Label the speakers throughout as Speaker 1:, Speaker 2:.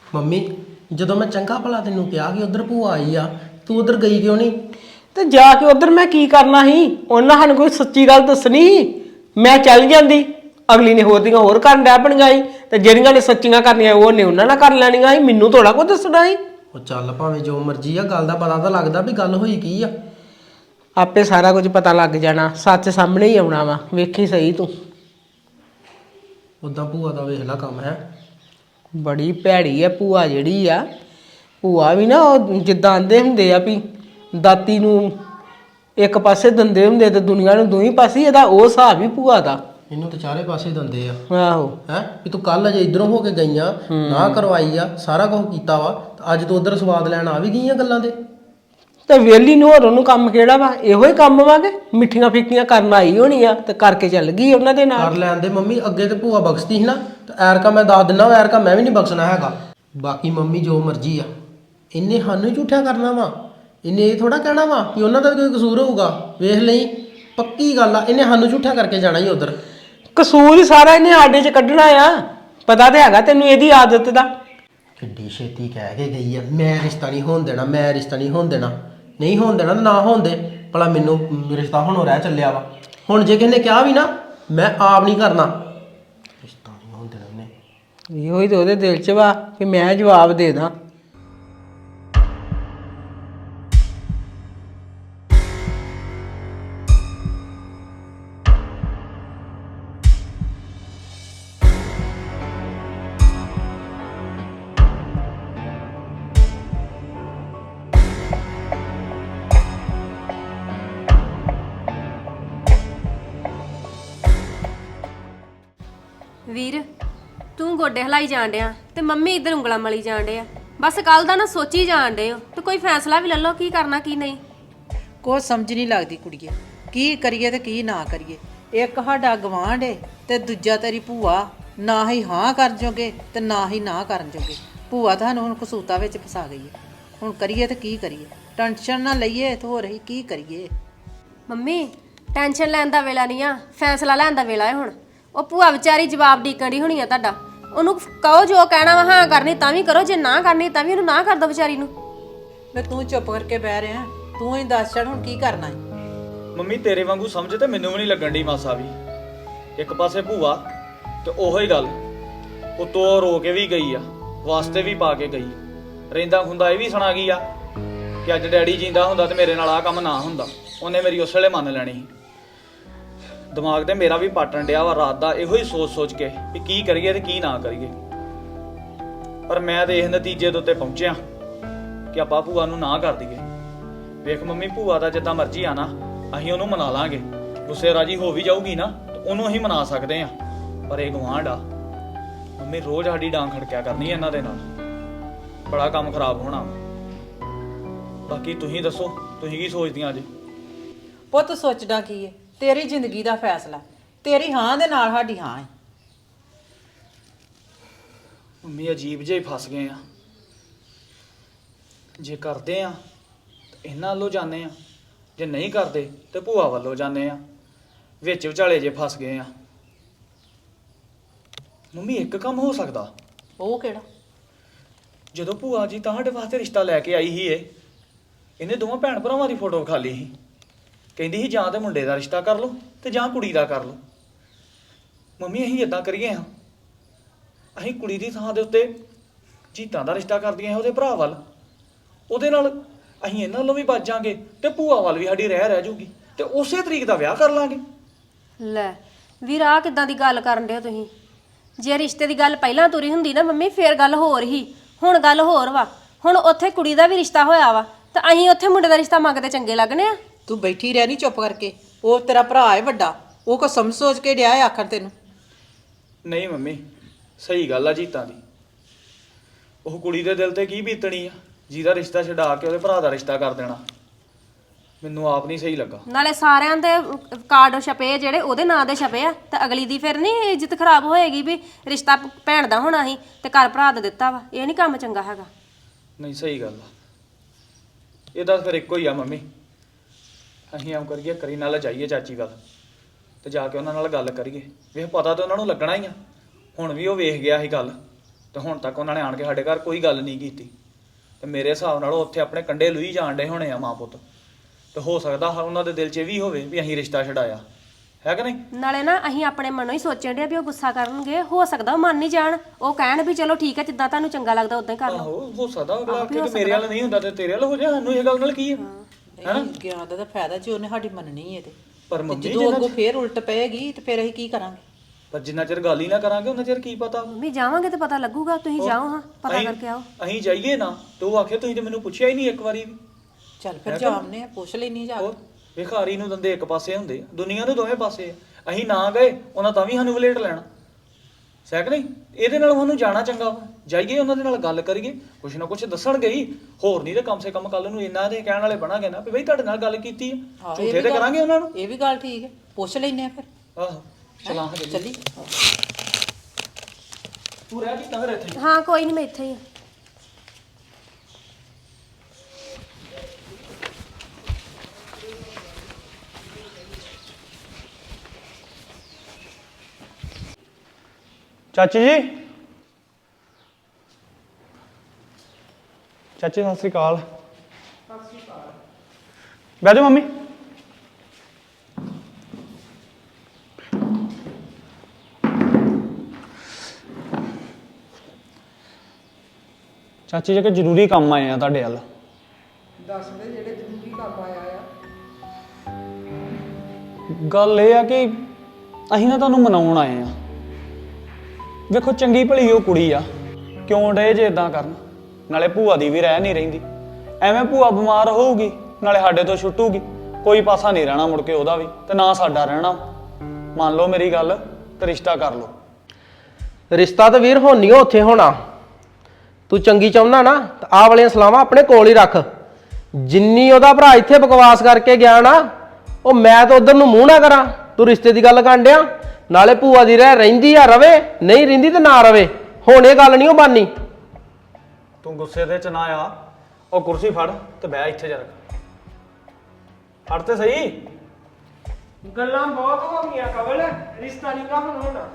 Speaker 1: Mummy ਜਦੋਂ ਮੈਂ ਚੰਗਾ ਭਲਾ ਤੈਨੂੰ ਕਿਹਾ ਕਿ ਉਧਰ ਭੂਆ ਆਈ ਆ, ਤੂੰ ਉਧਰ ਗਈ ਕਿਉਂ ਨਹੀਂ?
Speaker 2: ਤੇ ਜਾ ਕੇ ਉਧਰ ਮੈਂ ਕੀ ਕਰਨਾ ਸੀ? ਉਹਨਾਂ ਸਾਨੂੰ ਕੋਈ ਸੱਚੀ ਗੱਲ ਦੱਸਣੀ ਸੀ। ਮੈਂ ਚੱਲ ਜਾਂਦੀ, ਅਗਲੀ ਨੇ ਹੋਰ ਦੀਆਂ ਹੋਰ ਕਰਨ ਡੈ ਪਣੀਆਂ ਸੀ, ਤੇ ਜਿਹੜੀਆਂ ਨੇ ਸੱਚੀਆਂ ਕਰਨੀਆਂ ਉਹਨੇ ਉਹਨਾਂ ਨਾਲ ਕਰ ਲੈਣੀਆਂ ਸੀ। ਮੈਨੂੰ ਥੋੜਾ ਕੁਝ ਦੱਸਣਾ ਸੀ।
Speaker 1: ਉਹ ਚੱਲ ਭਾਵੇਂ ਜੋ ਮਰਜ਼ੀ ਆ, ਗੱਲ ਦਾ ਪਤਾ ਤਾਂ ਲੱਗਦਾ ਵੀ ਗੱਲ ਹੋਈ ਕੀ ਆ।
Speaker 2: ਆਪੇ ਸਾਰਾ ਕੁਝ ਪਤਾ ਲੱਗ ਜਾਣਾ, ਸੱਚ ਸਾਹਮਣੇ ਹੀ ਆਉਣਾ ਵਾ। ਵੇਖੀ ਸਹੀ ਤੂੰ।
Speaker 1: ਉਦਾਂ ਭੂਆ ਦਾ ਵੇਖ ਲਾ ਕੰਮ ਹੈ,
Speaker 2: ਬੜੀ ਭੈੜੀ ਆ ਭੂਆ ਜਿਹੜੀ ਆ। ਭੂਆ ਵੀ ਨਾ ਉਹ ਜਿੱਦਾਂ ਆਂਦੇ ਹੁੰਦੇ ਆ ਵੀ ਦਾਤੀ ਨੂੰ ਇੱਕ ਪਾਸੇ ਦੰਦੇ ਹੁੰਦੇ ਤੇ ਦੁਨੀਆ ਨੂੰ ਦੂਈ ਪਾਸੇ, ਇਹਦਾ ਉਹ ਹਿਸਾਬ ਹੀ ਭੂਆ ਦਾ।
Speaker 1: ਇਹਨੂੰ ਤਾਂ ਚਾਰੇ ਪਾਸੇ ਦੰਦੇ ਆ।
Speaker 2: ਆਹੋ
Speaker 1: ਹੈ ਵੀ ਤੂੰ ਕੱਲ ਅਜੇ ਇਧਰੋਂ ਹੋ ਕੇ ਗਈਆਂ, ਨਾ ਕਰਵਾਈ ਆ, ਸਾਰਾ ਕੁਝ ਕੀਤਾ ਵਾ, ਅੱਜ ਤੂੰ ਉਧਰ ਸਵਾਦ ਲੈਣ ਆ ਵੀ ਗਈਆਂ ਗੱਲਾਂ ਦੇ।
Speaker 2: ਤੇ ਵੇਲੀ ਨੂੰ ਹੋਰ ਉਹਨੂੰ ਕੰਮ ਕਿਹੜਾ ਵਾ? ਇਹੋ ਹੀ ਕੰਮ ਵਾ ਕਿ ਮਿੱਠੀਆਂ ਫਿੱਕੀਆਂ ਕਰਨ ਆਈ ਹੋਣੀ ਆ ਤੇ ਕਰਕੇ ਚੱਲ ਗਈ ਉਹਨਾਂ ਦੇ ਨਾਲ।
Speaker 1: ਕਰ ਲੈਣ ਦੇ ਮੰਮੀ, ਅੱਗੇ ਤੇ ਭੂਆ ਬਖਸ਼ਦੀ ਸੀ ਨਾ, ਤੇ ਐਰਕਾ ਮੈਂ ਦੱਸ ਦਿੰਦਾ, ਐਰਕਾ ਮੈਂ ਵੀ ਨਹੀਂ ਬਖਸ਼ਣਾ ਹੈਗਾ। ਬਾਕੀ ਮੰਮੀ ਜੋ ਮਰਜ਼ੀ ਆ, ਇਹਨੇ ਸਾਨੂੰ ਹੀ ਝੂਠਿਆ ਕਰਨਾ ਵਾ। ਇਹਨੇ ਇਹ ਥੋੜਾ ਕਹਿਣਾ ਵਾ ਕਿ ਉਹਨਾਂ ਦਾ ਵੀ ਕੋਈ ਕਸੂਰ ਹੋਊਗਾ। ਵੇਖ ਲਈ, ਪੱਕੀ ਗੱਲ ਆ, ਇਹਨੇ ਸਾਨੂੰ ਝੂਠਿਆ ਕਰਕੇ ਜਾਣਾ ਹੀ ਉਧਰ।
Speaker 2: ਕਸੂਰ ਹੀ ਸਾਰਾ ਇਹਨੇ ਆਡੇ 'ਚ ਕੱਢਣਾ ਆ। ਪਤਾ ਤੇ ਹੈਗਾ ਤੈਨੂੰ ਇਹਦੀ ਆਦਤ ਦਾ।
Speaker 1: ਕਿੱਡੀ ਛੇਤੀ ਕਹਿ ਕੇ ਗਈ ਆ, ਮੈਂ ਰਿਸ਼ਤਾ ਨਹੀਂ ਹੋਣ ਦੇਣਾ, ਮੈਂ ਰਿਸ਼ਤਾ ਨਹੀਂ ਹੋਣ ਦੇਣਾ। ਨਹੀਂ ਹੋਣ ਦੇਣਾ ਤਾਂ ਨਾ ਹੋਣ ਦੇ, ਭਲਾ ਮੈਨੂੰ ਰਿਸ਼ਤਾ ਹੁਣ ਰਹਿ ਚੱਲਿਆ ਵਾ। ਹੁਣ ਜੇ ਕਿਸੇ ਨੇ ਕਿਹਾ ਵੀ ਨਾ, ਮੈਂ ਆਪ ਨਹੀਂ ਕਰਨਾ, ਰਿਸ਼ਤਾ ਨਹੀਂ ਹੋਣ ਦੇਣਾ ਉਹਨੇ।
Speaker 2: ਇਹੋ ਹੀ ਤਾਂ ਉਹਦੇ ਦਿਲ 'ਚ ਵਾ ਕਿ ਮੈਂ ਜਵਾਬ ਦੇ ਦਾਂ।
Speaker 3: ਵੀਰ ਤੂੰ ਗੋਡੇ ਹਲਾਈ ਜਾਣ ਡਿਆ ਤੇ ਮੰਮੀ ਇੱਧਰ ਉਂਗਲਾਂ ਮਲੀ ਜਾਣ ਡਿਆ। ਬਸ ਕੱਲ ਦਾ ਨਾ ਸੋਚੀ ਜਾਣ ਡੇ ਹੋ ਤੇ ਕੋਈ ਫੈਸਲਾ ਵੀ ਲੈ ਲਓ, ਕੀ ਕਰਨਾ ਕੀ ਨਹੀਂ।
Speaker 4: ਕੁਛ ਸਮਝ ਨਹੀਂ ਲੱਗਦੀ ਕੁੜੀਏ, ਕੀ ਕਰੀਏ ਤੇ ਕੀ ਨਾ ਕਰੀਏ। ਇੱਕ ਸਾਡਾ ਗਵਾਂਢ ਏ ਤੇ ਦੂਜਾ ਤੇਰੀ ਭੂਆ। ਨਾ ਹੀ ਹਾਂ ਕਰ ਜੋਗੇ ਤੇ ਨਾ ਹੀ ਨਾ ਕਰਨ ਜੋਗੇ। ਭੂਆ ਤੁਹਾਨੂੰ ਹੁਣ ਕਸੂਤਾ ਵਿੱਚ ਫਸਾ ਗਈ ਹੈ। ਹੁਣ ਕਰੀਏ ਤੇ ਕੀ ਕਰੀਏ? ਟੈਨਸ਼ਨ ਨਾ ਲਈਏ ਤੇ ਹੋਰ ਅਸੀਂ ਕੀ ਕਰੀਏ?
Speaker 3: ਮੰਮੀ ਟੈਨਸ਼ਨ ਲੈਣ ਦਾ ਵੇਲਾ ਨਹੀਂ ਆ, ਫੈਸਲਾ ਲੈਣ ਦਾ ਵੇਲਾ ਹੈ ਹੁਣ। ਉਹ ਭੂਆ ਵਿਚਾਰੀ ਜਵਾਬ ਡੀਕਣ ਦੀ ਹੋਣੀ ਆ ਤੁਹਾਡਾ। ਉਹਨੂੰ ਕਹੋ ਜੋ ਕਹਿਣਾ ਵਾ, ਹਾਂ ਕਰਨੀ ਤਾਂ ਵੀ ਕਰੋ, ਜੇ ਨਾ ਕਰਨੀ ਤਾਂ ਵੀ ਉਹਨੂੰ ਨਾ ਕਰ ਦੋ ਵਿਚਾਰੀ ਨੂੰ।
Speaker 4: ਵੇ ਤੂੰ ਚੁੱਪ ਕਰਕੇ ਬਹਿ ਰਿਹਾ, ਤੂੰ ਹੀ ਦੱਸ ਛੱਡ ਹੁਣ ਕੀ ਕਰਨਾ ਹੈ।
Speaker 5: ਮੰਮੀ ਤੇਰੇ ਵਾਂਗੂ ਸਮਝ ਤੇ ਮੈਨੂੰ ਵੀ ਨਹੀਂ ਲੱਗਣ ਦੀ ਮਾਸਾ ਵੀ। ਇੱਕ ਪਾਸੇ ਭੂਆ ਤੇ ਉਹੋ ਹੀ ਗੱਲ, ਉਤੋਂ ਰੋ ਕੇ ਵੀ ਗਈ ਆ, ਵਾਸਤੇ ਵੀ ਪਾ ਕੇ ਗਈ। ਰਹਿੰਦਾ ਖੁੰਦਾ ਇਹ ਵੀ ਸੁਣਾ ਗਈ ਆ ਕਿ ਅੱਜ ਡੈਡੀ ਜਿੰਦਾ ਹੁੰਦਾ ਤੇ ਮੇਰੇ ਨਾਲ ਆਹ ਕੰਮ ਨਾ ਹੁੰਦਾ। ਉਹਨੇ ਮੇਰੀ ਉਸ ਵੇਲੇ ਮੰਨ ਲੈਣੀ ਸੀ। ਦਿਮਾਗ ਤੇ ਮੇਰਾ ਵੀ ਪਾਟਣ ਡਿਆ ਵਾ ਰਾਤ ਦਾ, ਇਹੋ ਹੀ ਸੋਚ ਕੇ ਵੀ ਕੀ ਕਰੀਏ ਤੇ ਕੀ ਨਾ ਕਰੀਏ। ਪਰ ਮੈਂ ਤੇ ਇਸ ਨਤੀਜੇ ਦੇ ਉੱਤੇ ਪਹੁੰਚਿਆ ਕਿ ਆਪਾਂ ਭੂਆ ਨੂੰ ਨਾ ਕਰ ਦਈਏ। ਵੇਖ ਮੰਮੀ, ਭੂਆ ਦਾ ਜਿੱਦਾਂ ਮਰਜ਼ੀ ਆ ਨਾ, ਅਸੀਂ ਉਹਨੂੰ ਮਨਾ ਲਾਂਗੇ। ਗੁੱਸੇ ਰਾਜੀ ਹੋ ਵੀ ਜਾਊਗੀ ਨਾ ਤੇ ਉਹਨੂੰ ਅਸੀਂ ਮਨਾ ਸਕਦੇ ਆ। ਪਰ ਇਹ ਗਵਾਂਢ ਆ ਮੰਮੀ, ਰੋਜ਼ ਸਾਡੀ ਡਾਂਗ ਖੜਕਿਆ ਕਰਨੀ ਇਹਨਾਂ ਦੇ ਨਾਲ। ਬੜਾ ਕੰਮ ਖਰਾਬ ਹੋਣਾ। ਬਾਕੀ ਤੁਸੀਂ ਦੱਸੋ, ਤੁਸੀਂ ਕੀ ਸੋਚਦੀਆਂ ਜੀ?
Speaker 4: ਪੁੱਤ ਸੋਚਦਾ ਕੀ ਏ? ਤੇਰੀ ਜ਼ਿੰਦਗੀ ਦਾ ਫੈਸਲਾ। ਤੇਰੀ ਹਾਂ ਦੇ ਨਾਲ ਸਾਡੀ ਹਾਂ ਹੈ।
Speaker 5: ਮੰਮੀ ਅਜੀਬ ਜਿਹੇ ਫਸ ਗਏ ਆ। ਜੇ ਕਰਦੇ ਆ ਤੇ ਇਹਨਾਂ ਵੱਲੋਂ ਜਾਂਦੇ ਆ, ਜੇ ਨਹੀਂ ਕਰਦੇ ਤੇ ਭੂਆ ਵੱਲੋਂ ਜਾਂਦੇ ਆ। ਵਿੱਚ ਵਿਚਾਲੇ ਜੇ ਫਸ ਗਏ ਆ। ਮੰਮੀ ਇੱਕ ਕੰਮ ਹੋ ਸਕਦਾ।
Speaker 4: ਉਹ ਕਿਹੜਾ?
Speaker 5: ਜਦੋਂ ਭੂਆ ਜੀ ਤੁਹਾਡੇ ਵਾਸਤੇ ਰਿਸ਼ਤਾ ਲੈ ਕੇ ਆਈ ਸੀ, ਇਹਨੇ ਦੋਵਾਂ ਭੈਣ ਭਰਾਵਾਂ ਦੀ ਫੋਟੋ ਵਿਖਾ ਲਈ ਸੀ। ਕਹਿੰਦੀ ਸੀ ਜਾਂ ਤੇ ਮੁੰਡੇ ਦਾ ਰਿਸ਼ਤਾ ਕਰ ਲਓ ਤੇ ਜਾਂ ਕੁੜੀ ਦਾ ਕਰ ਲਓ। ਮੰਮੀ ਅਸੀਂ ਇਦਾਂ ਕਰੀਏ ਹਾਂ, ਅਸੀਂ ਕੁੜੀ ਦੀ ਥਾਂ ਦੇ ਉੱਤੇ ਜੀਤਾਂ ਦਾ ਰਿਸ਼ਤਾ ਕਰਦੀਆਂ ਉਹਦੇ ਭਰਾ ਵੱਲ। ਉਹਦੇ ਨਾਲ ਅਸੀਂ ਇਹਨਾਂ ਵੱਲੋਂ ਵੀ ਬਚ ਜਾਾਂਗੇ ਤੇ ਭੂਆ ਵੱਲ ਵੀ ਸਾਡੀ ਰਹਿ ਜੂਗੀ ਤੇ ਉਸੇ ਤਰੀਕ ਦਾ ਵਿਆਹ ਕਰ ਲਾਂਗੇ।
Speaker 3: ਲੈ ਵੀਰ, ਆਹ ਕਿੱਦਾਂ ਦੀ ਗੱਲ ਕਰਨ ਡਿਓ ਤੁਸੀਂ? ਜੇ ਰਿਸ਼ਤੇ ਦੀ ਗੱਲ ਪਹਿਲਾਂ ਤੁਰੀ ਹੁੰਦੀ ਨਾ ਮੰਮੀ, ਫੇਰ ਗੱਲ ਹੋਰ ਹੀ। ਹੁਣ ਗੱਲ ਹੋਰ ਵਾ। ਹੁਣ ਉੱਥੇ ਕੁੜੀ ਦਾ ਵੀ ਰਿਸ਼ਤਾ ਹੋਇਆ ਵਾ ਤਾਂ ਅਸੀਂ ਉੱਥੇ ਮੁੰਡੇ ਦਾ ਰਿਸ਼ਤਾ ਮੰਗਦੇ ਚੰਗੇ ਲੱਗਣੇ ਆ?
Speaker 4: ਤੂੰ ਬੈਠੀ ਰਹਿ, ਨਹੀਂ ਚੁੱਪ ਕਰਕੇ। ਉਹ ਤੇਰਾ ਭਰਾ ਹੈ ਵੱਡਾ, ਉਹ ਕੋ ਸਮਝ ਸੋਚ ਕੇ ਡਿਆ ਆਖਰ ਤੈਨੂੰ।
Speaker 5: ਨਹੀਂ ਮੰਮੀ, ਸਹੀ ਗੱਲ ਆ ਜੀਤਾਂ ਦੀ। ਉਹ ਕੁੜੀ ਦੇ ਦਿਲ ਤੇ ਕੀ ਬੀਤਣੀ ਆ ਜਿਹਦਾ ਰਿਸ਼ਤਾ ਛਡਾ ਕੇ ਉਹਦੇ ਭਰਾ ਦਾ ਰਿਸ਼ਤਾ ਕਰ ਦੇਣਾ। ਮੈਨੂੰ ਆਪ ਨਹੀਂ ਸਹੀ ਲੱਗਾ। ਨਾਲੇ
Speaker 3: ਸਾਰਿਆਂ ਦੇ ਕਾਰਡ ਛਪੇ ਜਿਹੜੇ ਉਹਦੇ ਨਾਂ ਦੇ ਛਪੇ ਆ, ਤੇ ਅਗਲੀ ਦੀ ਫਿਰ ਨਹੀਂ ਇੱਜ਼ਤ ਖਰਾਬ ਹੋਏਗੀ ਵੀ ਰਿਸ਼ਤਾ ਭੈਣ ਦਾ ਹੋਣਾ ਸੀ ਤੇ ਘਰ ਭਰਾ ਦਾ ਦਿੱਤਾ ਵਾ। ਇਹ ਨਹੀਂ ਕੰਮ ਚੰਗਾ ਹੈਗਾ।
Speaker 5: ਨਹੀਂ ਸਹੀ ਗੱਲ ਆ। ਇਹਦਾ ਫਿਰ ਇੱਕੋ ਹੀ ਆ ਮੰਮੀ, ਅਸੀਂ ਆਮ ਕਰੀਏ, ਕਰੀ ਨਾਲ ਜਾਈਏ ਚਾਚੀ ਵੱਲ ਤੇ ਜਾ ਕੇ ਉਹਨਾਂ ਨਾਲ ਗੱਲ ਕਰੀਏ। ਵੇਖ ਪਤਾ ਤਾਂ ਉਹਨਾਂ ਨੂੰ ਲੱਗਣਾ ਹੀ ਆ। ਹੁਣ ਵੀ ਉਹ ਵੇਖ ਗਿਆ ਸੀ ਗੱਲ ਤੇ ਹੁਣ ਤੱਕ ਉਹਨਾਂ ਨੇ ਆਣ ਕੇ ਸਾਡੇ ਘਰ ਕੋਈ ਗੱਲ ਨਹੀਂ ਕੀਤੀ। ਤੇ ਮੇਰੇ ਹਿਸਾਬ ਨਾਲ ਉਹ ਉੱਥੇ ਆਪਣੇ ਕੰਡੇ ਲੁਈ ਜਾਣ ਡੇ ਹੋਣੇ ਆ ਮਾਂ ਪੁੱਤ। ਤੇ ਹੋ ਸਕਦਾ ਉਹਨਾਂ ਦੇ ਦਿਲ 'ਚ ਇਹ ਵੀ ਹੋਵੇ ਵੀ ਅਸੀਂ ਰਿਸ਼ਤਾ ਛਡਾਇਆ, ਹੈ ਕਿ ਨਹੀਂ?
Speaker 3: ਨਾਲੇ ਨਾ ਅਸੀਂ ਆਪਣੇ ਮਨੋਂ ਹੀ ਸੋਚਣ ਡਿਆ ਵੀ ਉਹ ਗੁੱਸਾ ਕਰਨਗੇ, ਹੋ ਸਕਦਾ ਉਹ ਮੰਨ ਨਹੀਂ ਜਾਣ, ਉਹ ਕਹਿਣ ਵੀ ਚਲੋ ਠੀਕ ਹੈ ਜਿੱਦਾਂ ਤੁਹਾਨੂੰ ਚੰਗਾ ਲੱਗਦਾ ਉਦਾਂ ਹੀ ਕਰ ਲਓ।
Speaker 5: ਆਹੋ ਹੋ ਸਕਦਾ ਅਗਲਾ ਆਖੇ ਕਿ ਮੇਰੇ ਵੱਲ ਨਹੀਂ ਹੁੰਦਾ ਤੇ ਤੇਰੇ ਵੱਲ ਹੋ ਜਾ, ਸਾਨੂੰ ਇਹ ਗੱਲ ਨਾਲ ਕੀ ਹੈ?
Speaker 4: ਨਹੀਂ ਗਿਆ ਦਾ ਤਾਂ ਫਾਇਦਾ ਜੀ, ਉਹਨੇ ਸਾਡੀ ਮੰਨਣੀ ਹੈ ਤੇ
Speaker 5: ਪਰ ਮੰਮੀ
Speaker 4: ਜਦੋਂ ਅੱਗੋਂ ਫੇਰ ਉਲਟ ਪਏਗੀ ਤੇ ਫਿਰ ਅਸੀਂ ਕੀ ਕਰਾਂਗੇ?
Speaker 5: ਪਰ ਜਿੰਨਾ ਚਿਰ ਗੱਲ ਹੀ ਨਾ ਕਰਾਂਗੇ ਉਹਨਾਂ ਚਿਰ ਕੀ ਪਤਾ।
Speaker 3: ਮੰਮੀ ਜਾਵਾਂਗੇ ਤੇ ਪਤਾ ਲੱਗੂਗਾ, ਤੁਸੀਂ ਜਾਓ ਹਾਂ ਪਤਾ
Speaker 5: ਅਸੀਂ-
Speaker 3: ਕਰਕੇ ਆਓ।
Speaker 5: ਅਸੀਂ ਜਾਈਏ ਨਾ ਤੇ ਉਹ ਆਖੇ ਤੁਸੀਂ ਤੇ ਮੈਨੂੰ ਪੁੱਛਿਆ ਹੀ ਨਹੀਂ ਇੱਕ ਵਾਰੀ ਵੀ।
Speaker 4: ਚੱਲ ਫਿਰ ਜਾਮਨੇ ਆ, ਪੁੱਛ ਲੈਣੀ ਜਾ
Speaker 5: ਹੋਰ ਵਿਖਾਰੀ ਨੂੰ ਦੰਦੇ ਇੱਕ ਪਾਸੇ ਹੁੰਦੇ ਆ, ਦੁਨੀਆ ਦੇ ਦੋਵੇਂ ਪਾਸੇ ਆ। ਅਸੀਂ ਨਾ ਗਏ ਉਹਨਾਂ ਤਾਂ ਵੀ ਸਾਨੂੰ ਵਲੇਟ ਲੈਣਾ, ਸਹਿਕ ਨਹੀਂ? ਇਹਦੇ ਨਾਲ ਉਹਨੂੰ ਜਾਣਾ ਚੰਗਾ ਵਾ, ਜਾਈਏ ਉਹਨਾਂ ਦੇ ਨਾਲ ਗੱਲ ਕਰੀਏ, ਕੁਛ ਨਾ ਕੁਛ ਦੱਸਣਗੇ ਹੀ, ਹੋਰ ਨਹੀਂ ਤੇ ਕਮ ਸੇ ਕਮ ਕੱਲ ਨੂੰ ਇਹਨਾਂ ਦੇ ਕਹਿਣ ਵਾਲੇ ਬਣਾਂਗੇ ਨਾ ਵੀ ਬਈ ਤੁਹਾਡੇ ਨਾਲ ਗੱਲ ਕੀਤੀ ਆ, ਝੂਠੇ ਤੇ ਕਰਾਂਗੇ ਉਹਨਾਂ ਨੂੰ।
Speaker 4: ਇਹ ਵੀ ਗੱਲ ਠੀਕ ਹੈ, ਪੁੱਛ ਲੈਨੇ ਆ ਫਿਰ।
Speaker 5: ਆਹੋ ਚਲਾਂਗੇ
Speaker 4: ਚੱਲੀ
Speaker 5: ਤੂੰ ਰਹਿ ਜੀ ਤਾਂ ਫਿਰ ਇੱਥੇ।
Speaker 3: ਹਾਂ ਕੋਈ ਨਹੀਂ, ਮੈਂ ਇੱਥੇ ਹੀ ਆ।
Speaker 6: ਚਾਚੀ ਜੀ, ਚਾਚੀ ਸਤਿ ਸ੍ਰੀ ਅਕਾਲ। ਬਹਿ ਜਾਓ ਮੰਮੀ। ਚਾਚੀ ਜੀ, ਕਿ ਜ਼ਰੂਰੀ ਕੰਮ ਆਏ ਆ ਤੁਹਾਡੇ ਵੱਲ।
Speaker 2: ਦੱਸ ਦੇ ਜਿਹੜੇ ਜ਼ਰੂਰੀ ਕੰਮ ਆਇਆ ਆ।
Speaker 6: ਗੱਲ ਇਹ ਆ ਕਿ ਅਸੀਂ ਨਾ ਤੁਹਾਨੂੰ ਮਨਾਉਣ ਆਏ ਆ। ਵੇਖੋ ਚੰਗੀ ਭਲੀ ਉਹ ਕੁੜੀ ਆ, ਕਿਉਂ ਡੇ ਜੇ ਇਦਾਂ ਕਰਨ? ਨਾਲੇ ਭੂਆ ਦੀ ਵੀ ਰਹਿ ਨਹੀਂ ਰਹਿੰਦੀ, ਐਵੇਂ ਭੂਆ ਬਿਮਾਰ ਹੋਊਗੀ ਨਾਲੇ ਸਾਡੇ ਤੋਂ ਛੁੱਟੂਗੀ, ਕੋਈ ਪਾਸਾ ਨਹੀਂ ਰਹਿਣਾ ਮੁੜ ਕੇ ਉਹਦਾ ਵੀ ਤੇ ਨਾ ਸਾਡਾ ਰਹਿਣਾ। ਮੰਨ ਲਓ ਮੇਰੀ ਗੱਲ ਤੇ ਰਿਸ਼ਤਾ ਕਰ ਲਓ।
Speaker 1: ਰਿਸ਼ਤਾ ਤਾਂ ਵੀਰ ਹੁਣ ਨਹੀਂ ਉੱਥੇ ਹੋਣਾ। ਤੂੰ ਚੰਗੀ ਚਾਹੁੰਦਾ ਨਾ ਤਾਂ ਆਹ ਵਾਲੀਆਂ ਸਲਾਹਾਂ ਆਪਣੇ ਕੋਲ ਹੀ ਰੱਖ। ਜਿੰਨੀ ਉਹਦਾ ਭਰਾ ਇੱਥੇ ਬਕਵਾਸ ਕਰਕੇ ਗਿਆ ਨਾ, ਉਹ ਮੈਂ ਤਾਂ ਉਧਰ ਨੂੰ ਮੂੰਹ ਨਾ ਕਰਾਂ। ਤੂੰ ਰਿਸ਼ਤੇ ਦੀ ਗੱਲ ਕਰਨ ਡਿਆ, ਨਾਲੇ ਭੂਆ ਦੀ ਰਹਿੰਦੀ ਆ ਰਵੇ, ਨਹੀਂ ਰਹਿੰਦੀ ਤੇ ਨਾ ਰਵੇ। ਹੁਣ ਇਹ ਗੱਲ ਨਹੀਂ ਉਹ ਬਾਨੀ।
Speaker 6: ਤੂੰ ਗੁੱਸੇ ਦੇ ਚ ਨਾ ਆ, ਉਹ ਕੁਰਸੀ ਫੜ ਤੇ ਬਹਿ ਇੱਥੇ ਜਰਾ। ਫੜ ਤੇ ਸਹੀ।
Speaker 2: ਗੱਲਾਂ ਬਹੁਤ ਹੋ ਗਈਆਂ ਕਵਲ, ਰਿਸ਼ਤਾ ਨਹੀਂ ਗਾ ਹੁਣ ਹੋਣਾ।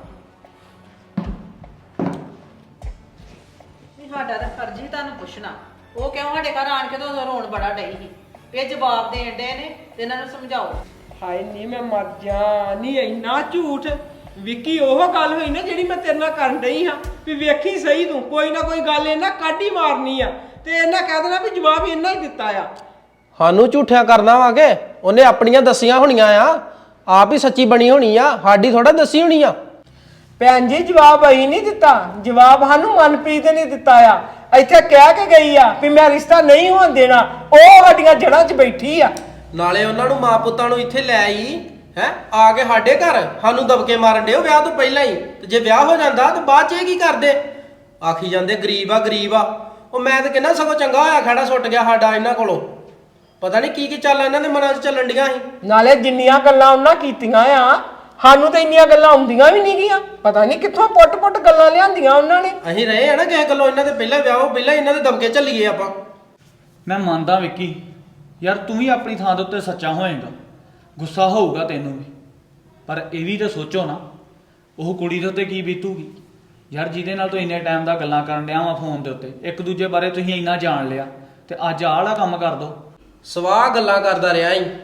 Speaker 4: ਨਹੀਂ ਸਾਡਾ ਤਾਂ ਫਰਜ਼ ਹੀ ਤੁਹਾਨੂੰ ਪੁੱਛਣਾ, ਉਹ ਕਿਉਂ ਸਾਡੇ ਘਰ ਆਣ ਕੇ ਤਾਂ ਉਦੋਂ ਰੋਣ ਬੜਾ ਡਈ ਸੀ। ਇਹ ਜਵਾਬ ਦੇਣ ਡੇ ਨੇ ਤੇ ਇਹਨਾਂ ਨੂੰ ਸਮਝਾਓ।
Speaker 2: ਹਾਏ ਨਹੀਂ ਮੈਂ ਮਰ ਜਾ, ਨਹੀਂ ਇੰਨਾ ਝੂਠ। ਵਿੱਕੀ ਉਹ ਗੱਲ ਹੋਈ ਨਾ ਜਿਹੜੀ ਮੈਂ ਤੇਰੇ ਨਾਲ ਕਰਨ ਡਈ ਹਾਂ ਵੀ ਵੇਖੀ ਸਹੀ ਤੂੰ ਕੋਈ ਨਾ ਕੋਈ ਗੱਲ ਇਹਨਾਂ ਕੱਢ ਹੀ ਮਾਰਨੀ ਆ ਤੇ ਇਹਨਾਂ ਕਹਿ ਦੇਣਾ ਵੀ ਜਵਾਬ ਇਹਨਾਂ ਹੀ ਦਿੱਤਾ ਆ।
Speaker 1: ਸਾਨੂੰ ਝੂਠਿਆਂ ਕਰਨਾ ਵਾਂਗੇ, ਉਹਨੇ ਆਪਣੀਆਂ ਦੱਸੀਆਂ ਹੋਣੀਆਂ ਆ, ਆਪ ਹੀ ਸੱਚੀ ਬਣੀ ਹੋਣੀ ਆ, ਸਾਡੀ ਥੋੜਾ ਦੱਸੀ ਹੋਣੀ ਆ।
Speaker 2: ਭੈਣ ਜੀ ਜਵਾਬ ਅਸੀਂ ਨਹੀਂ ਦਿੱਤਾ, ਜਵਾਬ ਸਾਨੂੰ ਮਨਪ੍ਰੀਤ ਨੇ ਦਿੱਤਾ ਆ। ਇੱਥੇ ਕਹਿ ਕੇ ਗਈ ਆ ਵੀ ਮੈਂ ਰਿਸ਼ਤਾ ਨਹੀਂ ਹੋਣ ਦੇਣਾ, ਉਹ ਸਾਡੀਆਂ ਜੜ੍ਹਾਂ 'ਚ ਬੈਠੀ ਆ।
Speaker 1: ਨਾਲੇ ਉਹਨਾਂ ਨੂੰ ਮਾਂ ਪੁੱਤਾਂ ਨੂੰ ਇੱਥੇ ਲੈ ਆਈ ਹੈ, ਆ ਕੇ ਸਾਡੇ ਘਰ ਸਾਨੂੰ ਦਬਕੇ ਮਾਰਨ ਡਿਓ ਵਿਆਹ ਤੋਂ ਪਹਿਲਾਂ ਹੀ। ਤੇ ਜੇ ਵਿਆਹ ਹੋ ਜਾਂਦਾ ਤਾਂ ਬਾਅਦ 'ਚ ਇਹ ਕੀ ਕਰਦੇ? ਆਖੀ ਜਾਂਦੇ ਗਰੀਬ ਆ ਗਰੀਬ ਆ। ਉਹ ਮੈਂ ਤਾਂ ਕਹਿੰਦਾ ਸਗੋਂ ਚੰਗਾ ਹੋਇਆ ਖੜਾ ਸੁੱਟ ਗਿਆ ਸਾਡਾ ਇਹਨਾਂ ਕੋਲੋਂ। ਪਤਾ ਨਹੀਂ ਕੀ ਚੱਲ ਇਹਨਾਂ ਦੇ ਮਨਾਂ 'ਚ ਚੱਲਣ ਡੀਆਂ ਸੀ।
Speaker 2: ਨਾਲੇ ਜਿੰਨੀਆਂ ਗੱਲਾਂ ਉਹਨਾਂ ਕੀਤੀਆਂ ਆ, ਸਾਨੂੰ ਤਾਂ ਇੰਨੀਆਂ ਗੱਲਾਂ ਆਉਂਦੀਆਂ ਵੀ ਨਹੀਂ ਗੀਆਂ। ਪਤਾ ਨਹੀਂ ਕਿੱਥੋਂ ਪੁੱਟ-ਪੁੱਟ ਗੱਲਾਂ ਲਿਆਂਦੀਆਂ ਉਹਨਾਂ ਨੇ।
Speaker 1: ਅਸੀਂ ਰਹੇ ਆ ਨਾ ਕਿਸੇ ਗੱਲੋਂ ਇਹਨਾਂ ਦੇ ਪਹਿਲਾਂ ਵਿਆਹ ਹੋ ਪਹਿਲਾਂ ਇਹਨਾਂ ਦੇ ਦਬਕੇ ਝੱਲੀਏ ਆਪਾਂ।
Speaker 5: ਮੈਂ ਮੰਨਦਾ ਵਿੱਕੀ, ਯਾਰ ਤੂੰ ਵੀ ਆਪਣੀ ਥਾਂ ਦੇ ਉੱਤੇ ਸੱਚਾ ਹੋਏਗਾ, ਗੁੱਸਾ ਹੋਊਗਾ ਤੈਨੂੰ ਵੀ, ਪਰ ਇਹ ਵੀ ਤਾਂ ਸੋਚੋ ਨਾ ਉਹ ਕੁੜੀ ਦੇ ਉੱਤੇ ਕੀ ਬੀਤੂਗੀ। ਯਾਰ ਜਿਹਦੇ ਨਾਲ ਤੂੰ ਇੰਨੇ ਟਾਈਮ ਦਾ ਗੱਲਾਂ ਕਰਨ ਡਿਆ ਵਾ ਫੋਨ ਦੇ ਉੱਤੇ, ਇੱਕ ਦੂਜੇ ਬਾਰੇ ਤੁਸੀਂ ਇੰਨਾ ਜਾਣ ਲਿਆ ਤੇ ਅੱਜ ਆਹ ਵਾਲਾ ਕੰਮ ਕਰ ਦੋ।
Speaker 1: ਸਵਾਹ ਗੱਲਾਂ ਕਰਦਾ ਰਿਹਾ ਹੀ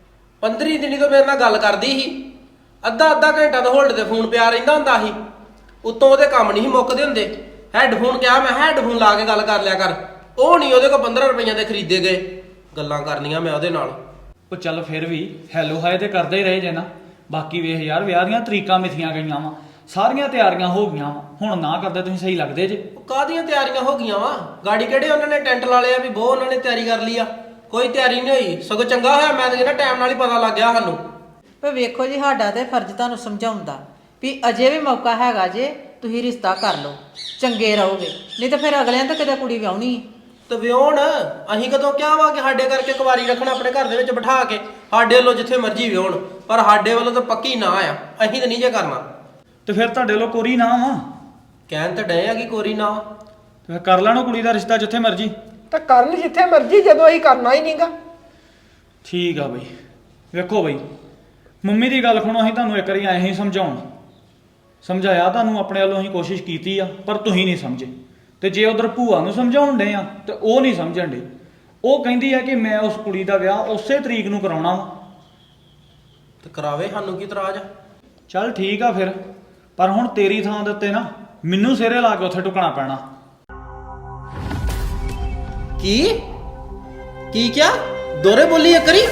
Speaker 1: 15 ਦਿਨੀ ਤੋਂ ਮੇਰੇ ਨਾਲ ਗੱਲ ਕਰਦੀ ਸੀ, ਅੱਧਾ ਘੰਟਾ ਤਾਂ ਹੋਲਡ ਤੇ ਫੋਨ ਪਿਆ ਰਹਿੰਦਾ ਹੁੰਦਾ ਸੀ। ਉਤੋਂ ਉਹਦੇ ਕੰਮ ਨਹੀਂ ਮੁੱਕਦੇ ਹੁੰਦੇ। ਹੈੱਡਫੋਨ ਕਿਹਾ ਮੈਂ ਹੈੱਡਫੋਨ ਲਾ ਕੇ ਗੱਲ ਕਰ ਲਿਆ ਕਰ, ਉਹ ਨਹੀਂ ਉਹਦੇ ਕੋਲ 15 ਰੁਪਈਆਂ ਦੇ ਖਰੀਦੇ ਗਏ। ਗੱਲਾਂ ਕਰਨੀਆਂ ਮੈਂ ਉਹਦੇ ਨਾਲ।
Speaker 5: ਉਹ ਚੱਲ ਫਿਰ ਵੀ ਹੈਲੋ ਹਾਏ ਤੇ ਕਰਦੇ ਹੀ ਰਹੇ ਜੇ ਨਾ। ਬਾਕੀ ਵੇਖ ਯਾਰ ਵਿਆਹ ਦੀਆਂ ਤਰੀਕਾਂ ਮਿਥੀਆਂ ਗਈਆਂ ਵਾ, ਸਾਰੀਆਂ ਤਿਆਰੀਆਂ ਹੋ ਗਈਆਂ ਵਾ, ਹੁਣ ਨਾ ਕਰਦੇ ਤੁਸੀਂ ਸਹੀ ਲੱਗਦੇ ਜੇ।
Speaker 1: ਉਹ ਕਾਹਦੀਆਂ ਤਿਆਰੀਆਂ ਹੋ ਗਈਆਂ ਵਾ? ਗਾੜੀ ਕਿਹੜੇ ਉਹਨਾਂ ਨੇ ਟੈਂਟ ਲਾ ਲਿਆ ਵੀ ਬਹੁਤ ਉਹਨਾਂ ਨੇ ਤਿਆਰੀ ਕਰ ਲਈ ਆ? ਕੋਈ ਤਿਆਰੀ ਨਹੀਂ ਹੋਈ, ਸਗੋਂ ਚੰਗਾ ਹੋਇਆ ਮੈਂ ਤਾਂ ਕਹਿੰਦਾ ਟਾਈਮ ਨਾਲ ਹੀ ਪਤਾ ਲੱਗ ਗਿਆ ਸਾਨੂੰ।
Speaker 4: ਪਰ ਵੇਖੋ ਜੀ ਸਾਡਾ ਤੇ ਫਰਜ਼ ਤੁਹਾਨੂੰ ਸਮਝਾਉਂਦਾ ਵੀ ਅਜੇ ਵੀ ਮੌਕਾ ਹੈਗਾ ਜੇ, ਤੁਸੀਂ ਰਿਸ਼ਤਾ ਕਰ ਲਓ, ਚੰਗੇ ਰਹੋਗੇ। ਨਹੀਂ ਤਾਂ ਫਿਰ ਅਗਲਿਆਂ ਤਾਂ ਕਿਤੇ ਕੁੜੀ ਵਿਆਹਣੀ।
Speaker 1: ਤੇ ਵਿਆਹਣ ਅਸੀਂ ਕਦੋਂ ਕਿਹਾ ਵਾ ਕਿ ਸਾਡੇ ਕਰਕੇ ਕੁਵਾਰੀ ਰੱਖਣਾ ਆਪਣੇ ਘਰ ਦੇ ਵਿੱਚ ਬਿਠਾ ਕੇ, ਸਾਡੇ ਵੱਲੋਂ ਜਿੱਥੇ ਮਰਜ਼ੀ ਵਿਆਹਣ, ਪਰ ਸਾਡੇ ਵੱਲੋਂ ਤਾਂ ਪੱਕੀ ਨਾ ਆ, ਅਸੀਂ ਤਾਂ ਨਹੀਂ ਜੇ ਕਰਨਾ।
Speaker 5: ਤੇ ਫਿਰ ਤੁਹਾਡੇ ਵੱਲੋਂ ਕੋਰੀ ਨਾ ਵਾ,
Speaker 1: ਕਹਿਣ ਤਾਂ ਡਏ ਆ ਕਿ ਕੋਰੀ ਨਾ।
Speaker 5: ਤੇ ਫਿਰ ਕਰ ਲੈਣੋ ਕੁੜੀ ਦਾ ਰਿਸ਼ਤਾ ਜਿੱਥੇ ਮਰਜ਼ੀ।
Speaker 2: ਤਾਂ ਕਰਨ ਜਿੱਥੇ ਮਰਜ਼ੀ, ਜਦੋਂ ਅਸੀਂ ਕਰਨਾ ਹੀ ਨਹੀਂਗਾ।
Speaker 5: ਠੀਕ ਆ ਬਈ। ਵੇਖੋ ਬਈ ਮੰਮੀ ਦੀ ਗੱਲ ਸੁਣੋ, ਅਸੀਂ ਤੁਹਾਨੂੰ ਇੱਕ ਵਾਰੀ ਐਂ ਹੀ ਸਮਝਾਉਣ ਸਮਝਾਇਆ ਤੁਹਾਨੂੰ ਆਪਣੇ ਵੱਲੋਂ ਅਸੀਂ ਕੋਸ਼ਿਸ਼ ਕੀਤੀ ਆ ਪਰ ਤੁਸੀਂ ਨਹੀਂ ਸਮਝੇ। ਤੇ ਜੇ ਉਧਰ ਭੂਆ ਨੂੰ ਸਮਝਾਉਣ ਡੇ ਆ ਤੇ ਉਹ ਨਹੀਂ ਸਮਝਣ ਡੇ। ਉਹ ਕਹਿੰਦੀ ਆ ਕਿ ਮੈਂ ਉਸ ਕੁੜੀ ਦਾ ਵਿਆਹ ਉਸੇ ਤਰੀਕ ਨੂੰ ਕਰਾਉਣਾ ਵਾ।
Speaker 1: ਤੇ ਕਰਾਵੇ, ਸਾਨੂੰ ਕੀ ਇਤਰਾਜ਼ ਆ?
Speaker 5: ਚੱਲ ਠੀਕ ਆ ਫਿਰ, ਪਰ ਹੁਣ ਤੇਰੀ ਥਾਂ ਦੇ ਉੱਤੇ ਨਾ ਮੈਨੂੰ ਸਿਰੇ ਲਾ ਕੇ ਉੱਥੇ ਟੁਕਣਾ ਪੈਣਾ।
Speaker 1: ਕੀ ਕਿਹਾ? ਦੋਰੇ ਬੋਲੀ ਇੱਕ ਕਰੀ।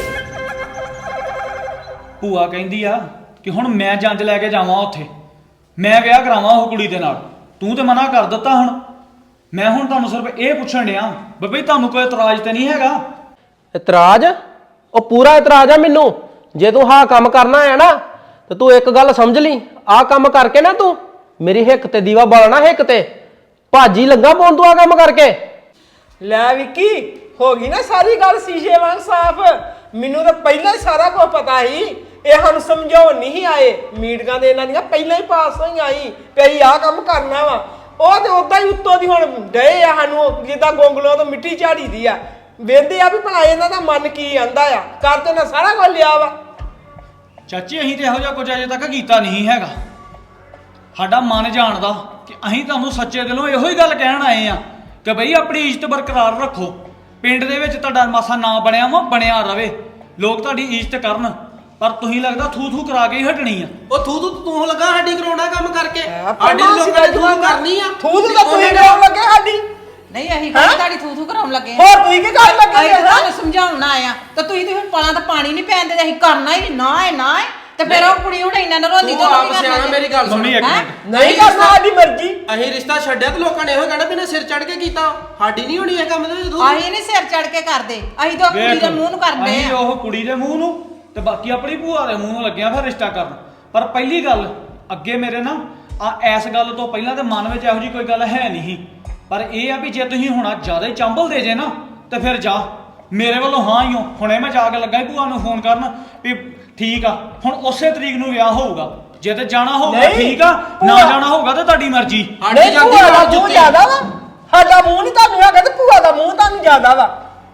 Speaker 5: ਭੂਆ ਕਹਿੰਦੀ ਆ ਕਿ ਹੁਣ ਮੈਂ ਜੰਜ ਲੈ ਕੇ ਜਾਵਾਂ ਉੱਥੇ, ਮੈਂ ਵਿਆਹ ਕਰਾਵਾਂ ਉਹ ਕੁੜੀ ਦੇ ਨਾਲ। ਤੂੰ ਤੇ ਮਨਾ ਕਰ ਦਿੱਤਾ। ਹੁਣ ਮੈਂ ਤੁਹਾਨੂੰ ਸਿਰਫ ਇਹ ਪੁੱਛਣ ਡਿਆ ਬਈ ਤੁਹਾਨੂੰ ਕੋਈ ਇਤਰਾਜ਼ ਤੇ ਨਹੀਂ ਹੈਗਾ?
Speaker 1: ਇਤਰਾਜ਼? ਉਹ ਪੂਰਾ ਇਤਰਾਜ਼ ਆ ਮੈਨੂੰ। ਜੇ ਤੂੰ ਹਾਂ ਕੰਮ ਕਰਨਾ ਹੈ ਨਾ ਤੇ ਤੂੰ ਇੱਕ ਗੱਲ ਸਮਝ ਲਈ, ਆਹ ਕੰਮ ਕਰਕੇ ਨਾ ਤੂੰ ਮੇਰੀ ਹਿੱਕ ਤੇ ਦੀਵਾ ਬਾਲਣਾ, ਹਿੱਕ ਤੇ ਭਾਜੀ ਲੱਗਾ ਪਾਉਣ ਤੂੰ ਆਹ ਕੰਮ ਕਰਕੇ।
Speaker 2: ਲੈ ਵਿੱਕੀ, ਹੋ ਗਈ ਨਾ ਸਾਰੀ ਗੱਲ ਸ਼ੀਸ਼ੇ ਵਾਂਗ ਸਾਫ਼। ਮੈਨੂੰ ਤਾਂ ਪਹਿਲਾਂ ਹੀ ਸਾਰਾ ਕੁਝ ਪਤਾ ਸੀ। ਇਹ ਸਾਨੂੰ ਸਮਝਾਉਣ ਨਹੀਂ ਆਏ, ਮੀਟਿੰਗਾਂ ਦੇ ਇਹਨਾਂ ਦੀਆਂ ਪਹਿਲਾਂ ਹੀ ਪਾਸ ਹੋਈਆਂ ਸੀ ਵੀ ਆਹ ਕੰਮ ਕਰਨਾ ਵਾ। ਉਹ ਤੇ ਉਦਾਂ ਹੀ ਉੱਤੋਂ ਦੀ ਹੁਣ ਡਏ ਆ ਸਾਨੂੰ ਜਿੱਦਾਂ ਗੋਂਗਲੋਂ ਤੋਂ ਮਿੱਟੀ ਝਾੜੀ ਦੀ ਆ। ਵੇਂਦੇ ਆ ਵੀ ਭਲਾ ਇਹਨਾਂ ਦਾ ਮਨ ਕੀ ਆਂਦਾ ਆ। ਕਰ ਤੇ ਨਾ ਸਾਰਾ ਕੁਝ ਲਿਆ ਵਾ।
Speaker 5: ਚਾਚੀ ਅਸੀਂ ਤੇ ਇਹੋ ਜਿਹਾ ਕੁਝ ਅਜੇ ਤੱਕ ਕੀਤਾ ਨਹੀਂ ਹੈਗਾ। ਸਾਡਾ ਮਨ ਜਾਣਦਾ ਕਿ ਅਸੀਂ ਤੁਹਾਨੂੰ ਸੱਚੇ ਦਿਲੋਂ ਇਹੋ ਹੀ ਗੱਲ ਕਹਿਣ ਆਏ ਆ ਕਿ ਬਈ ਆਪਣੀ ਇੱਜ਼ਤ ਬਰਕਰਾਰ ਰੱਖੋ। ਪਿੰਡ ਦੇ ਵਿੱਚ ਤੁਹਾਡਾ ਮਾਸਾ ਨਾਂ ਬਣਿਆ ਵਾ, ਬਣਿਆ ਰਵੇ, ਲੋਕ ਤੁਹਾਡੀ ਇੱਜ਼ਤ ਕਰਨ। ਪਰ ਤੁਸੀਂ ਲੱਗਦਾ ਥੂ ਕਰਾ ਕੇ ਹੀ ਹਟਣੀ ਆ।
Speaker 1: ਉਹ ਤੂੰ ਲੱਗਾ ਸਾਡੀ ਕਰਾਉਣਾ ਕੰਮ ਕਰਕੇ।
Speaker 2: ਸਾਡੀ
Speaker 1: ਲੋਕਾਂ ਨੇ ਥੂ ਕਰਨੀ ਆ।
Speaker 2: ਥੂ ਤਾਂ ਤੁਸੀਂ ਕਰਾਉਣ ਲੱਗੇ ਸਾਡੀ।
Speaker 4: ਨਹੀਂ ਅਸੀਂ ਕੋਈ ਤੁਹਾਡੀ ਥੂ ਕਰਾਉਣ ਲੱਗੇ ਆ।
Speaker 2: ਹੋਰ ਤੁਸੀਂ ਕੀ ਕਰਨ ਲੱਗੇ
Speaker 4: ਅਸੀਂ ਤੁਹਾਨੂੰ ਸਮਝਾਉਣਾ ਆਇਆ ਤਾਂ ਤੁਸੀਂ ਤੇ ਹੁਣ ਪਲਾਂ ਤਾਂ ਪਾਣੀ ਨਹੀਂ ਪੈਣ ਦਿੰਦੇ। ਅਸੀਂ ਕਰਨਾ ਹੀ ਨਾ ਤੇ ਫਿਰ ਉਹ ਕੁੜੀ ਹੁਣ ਇੰਨਾ ਨਰੋਂਦੀ
Speaker 1: ਤੂੰ ਆਪ ਸਿਆਣਾ, ਮੇਰੀ ਗੱਲ ਸੁਣ।
Speaker 5: ਮੰਮੀ ਇੱਕ ਮਿੰਟ,
Speaker 2: ਨਹੀਂ ਕਰਨਾ ਸਾਡੀ ਮਰਜ਼ੀ।
Speaker 1: ਅਸੀਂ ਰਿਸ਼ਤਾ ਛੱਡਿਆ ਤੇ ਲੋਕਾਂ ਨੇ ਇਹੋ ਕਹਿਣਾ ਵੀ ਇਹਨੇ ਸਿਰ ਚੜ ਕੇ ਕੀਤਾ। ਸਾਡੀ ਨਹੀਂ ਹੋਣੀ ਇਹ ਕੰਮ ਦੇ ਵਿੱਚ।
Speaker 4: ਅਸੀਂ ਨਹੀਂ ਸਿਰ ਚੜ ਕੇ ਕਰਦੇ, ਅਸੀਂ ਤਾਂ ਕੁੜੀ ਦੇ ਮੂੰਹ ਨੂੰ ਕਰਦੇ
Speaker 5: ਅਸੀਂ
Speaker 4: ਆ।
Speaker 5: ਉਹ ਕੁੜੀ ਦੇ ਮੂੰਹ ਨੂੰ ਤੇ ਬਾਕੀ ਆਪਣੀ ਭੂਆ ਦੇ ਮੂੰਹ ਨੂੰ ਲੱਗਿਆ ਫਿਰ ਰਿਸ਼ਤਾ ਕਰਨ। ਪਰ ਪਹਿਲੀ ਗੱਲ ਅੱਗੇ ਮੇਰੇ ਨਾ ਇਸ ਗੱਲ ਤੋਂ ਪਹਿਲਾਂ ਤੇ ਮਨ ਵਿੱਚ ਇਹੋ ਜੀ ਕੋਈ ਗੱਲ ਹੈ ਨਹੀਂ। ਪਰ ਇਹ ਆ ਵੀ ਜੇ ਤੁਸੀਂ ਹੁਣ ਜ਼ਿਆਦਾ ਹੀ ਚੰਬਲ ਦੇ ਜੇ ਨਾ ਤੇ ਫਿਰ ਜਾ, ਮੇਰੇ ਵੱਲੋਂ ਹਾਂ ਹੀ ਹੋ। ਹੁਣੇ ਮੈਂ ਜਾ ਕੇ ਲੱਗਾ ਹੀ ਭੂਆ ਨੂੰ ਫੋਨ ਕਰਨ ਵੀ ਠੀਕ ਆ ਹੁਣ ਉਸੇ ਤਰੀਕ ਨੂੰ ਵਿਆਹ ਹੋਊਗਾ। ਜੇ ਤੇ ਜਾਣਾ ਹੋਊਗਾ ਠੀਕ ਆ, ਨਾ ਜਾਣਾ ਹੋਊਗਾ ਤੇ ਤੁਹਾਡੀ ਮਰਜ਼ੀ।
Speaker 2: ਨਹੀਂ ਭੂਆ ਦਾ ਮੂੰਹ ਜ਼ਿਆਦਾ ਵਾ, ਸਾਡਾ ਮੂੰਹ ਨਹੀਂ ਤੁਹਾਨੂੰ ਹੈਗਾ ਤੇ ਭੂਆ ਦਾ ਮੂੰਹ ਤੁਹਾਨੂੰ ਜ਼ਿਆਦਾ ਵਾ।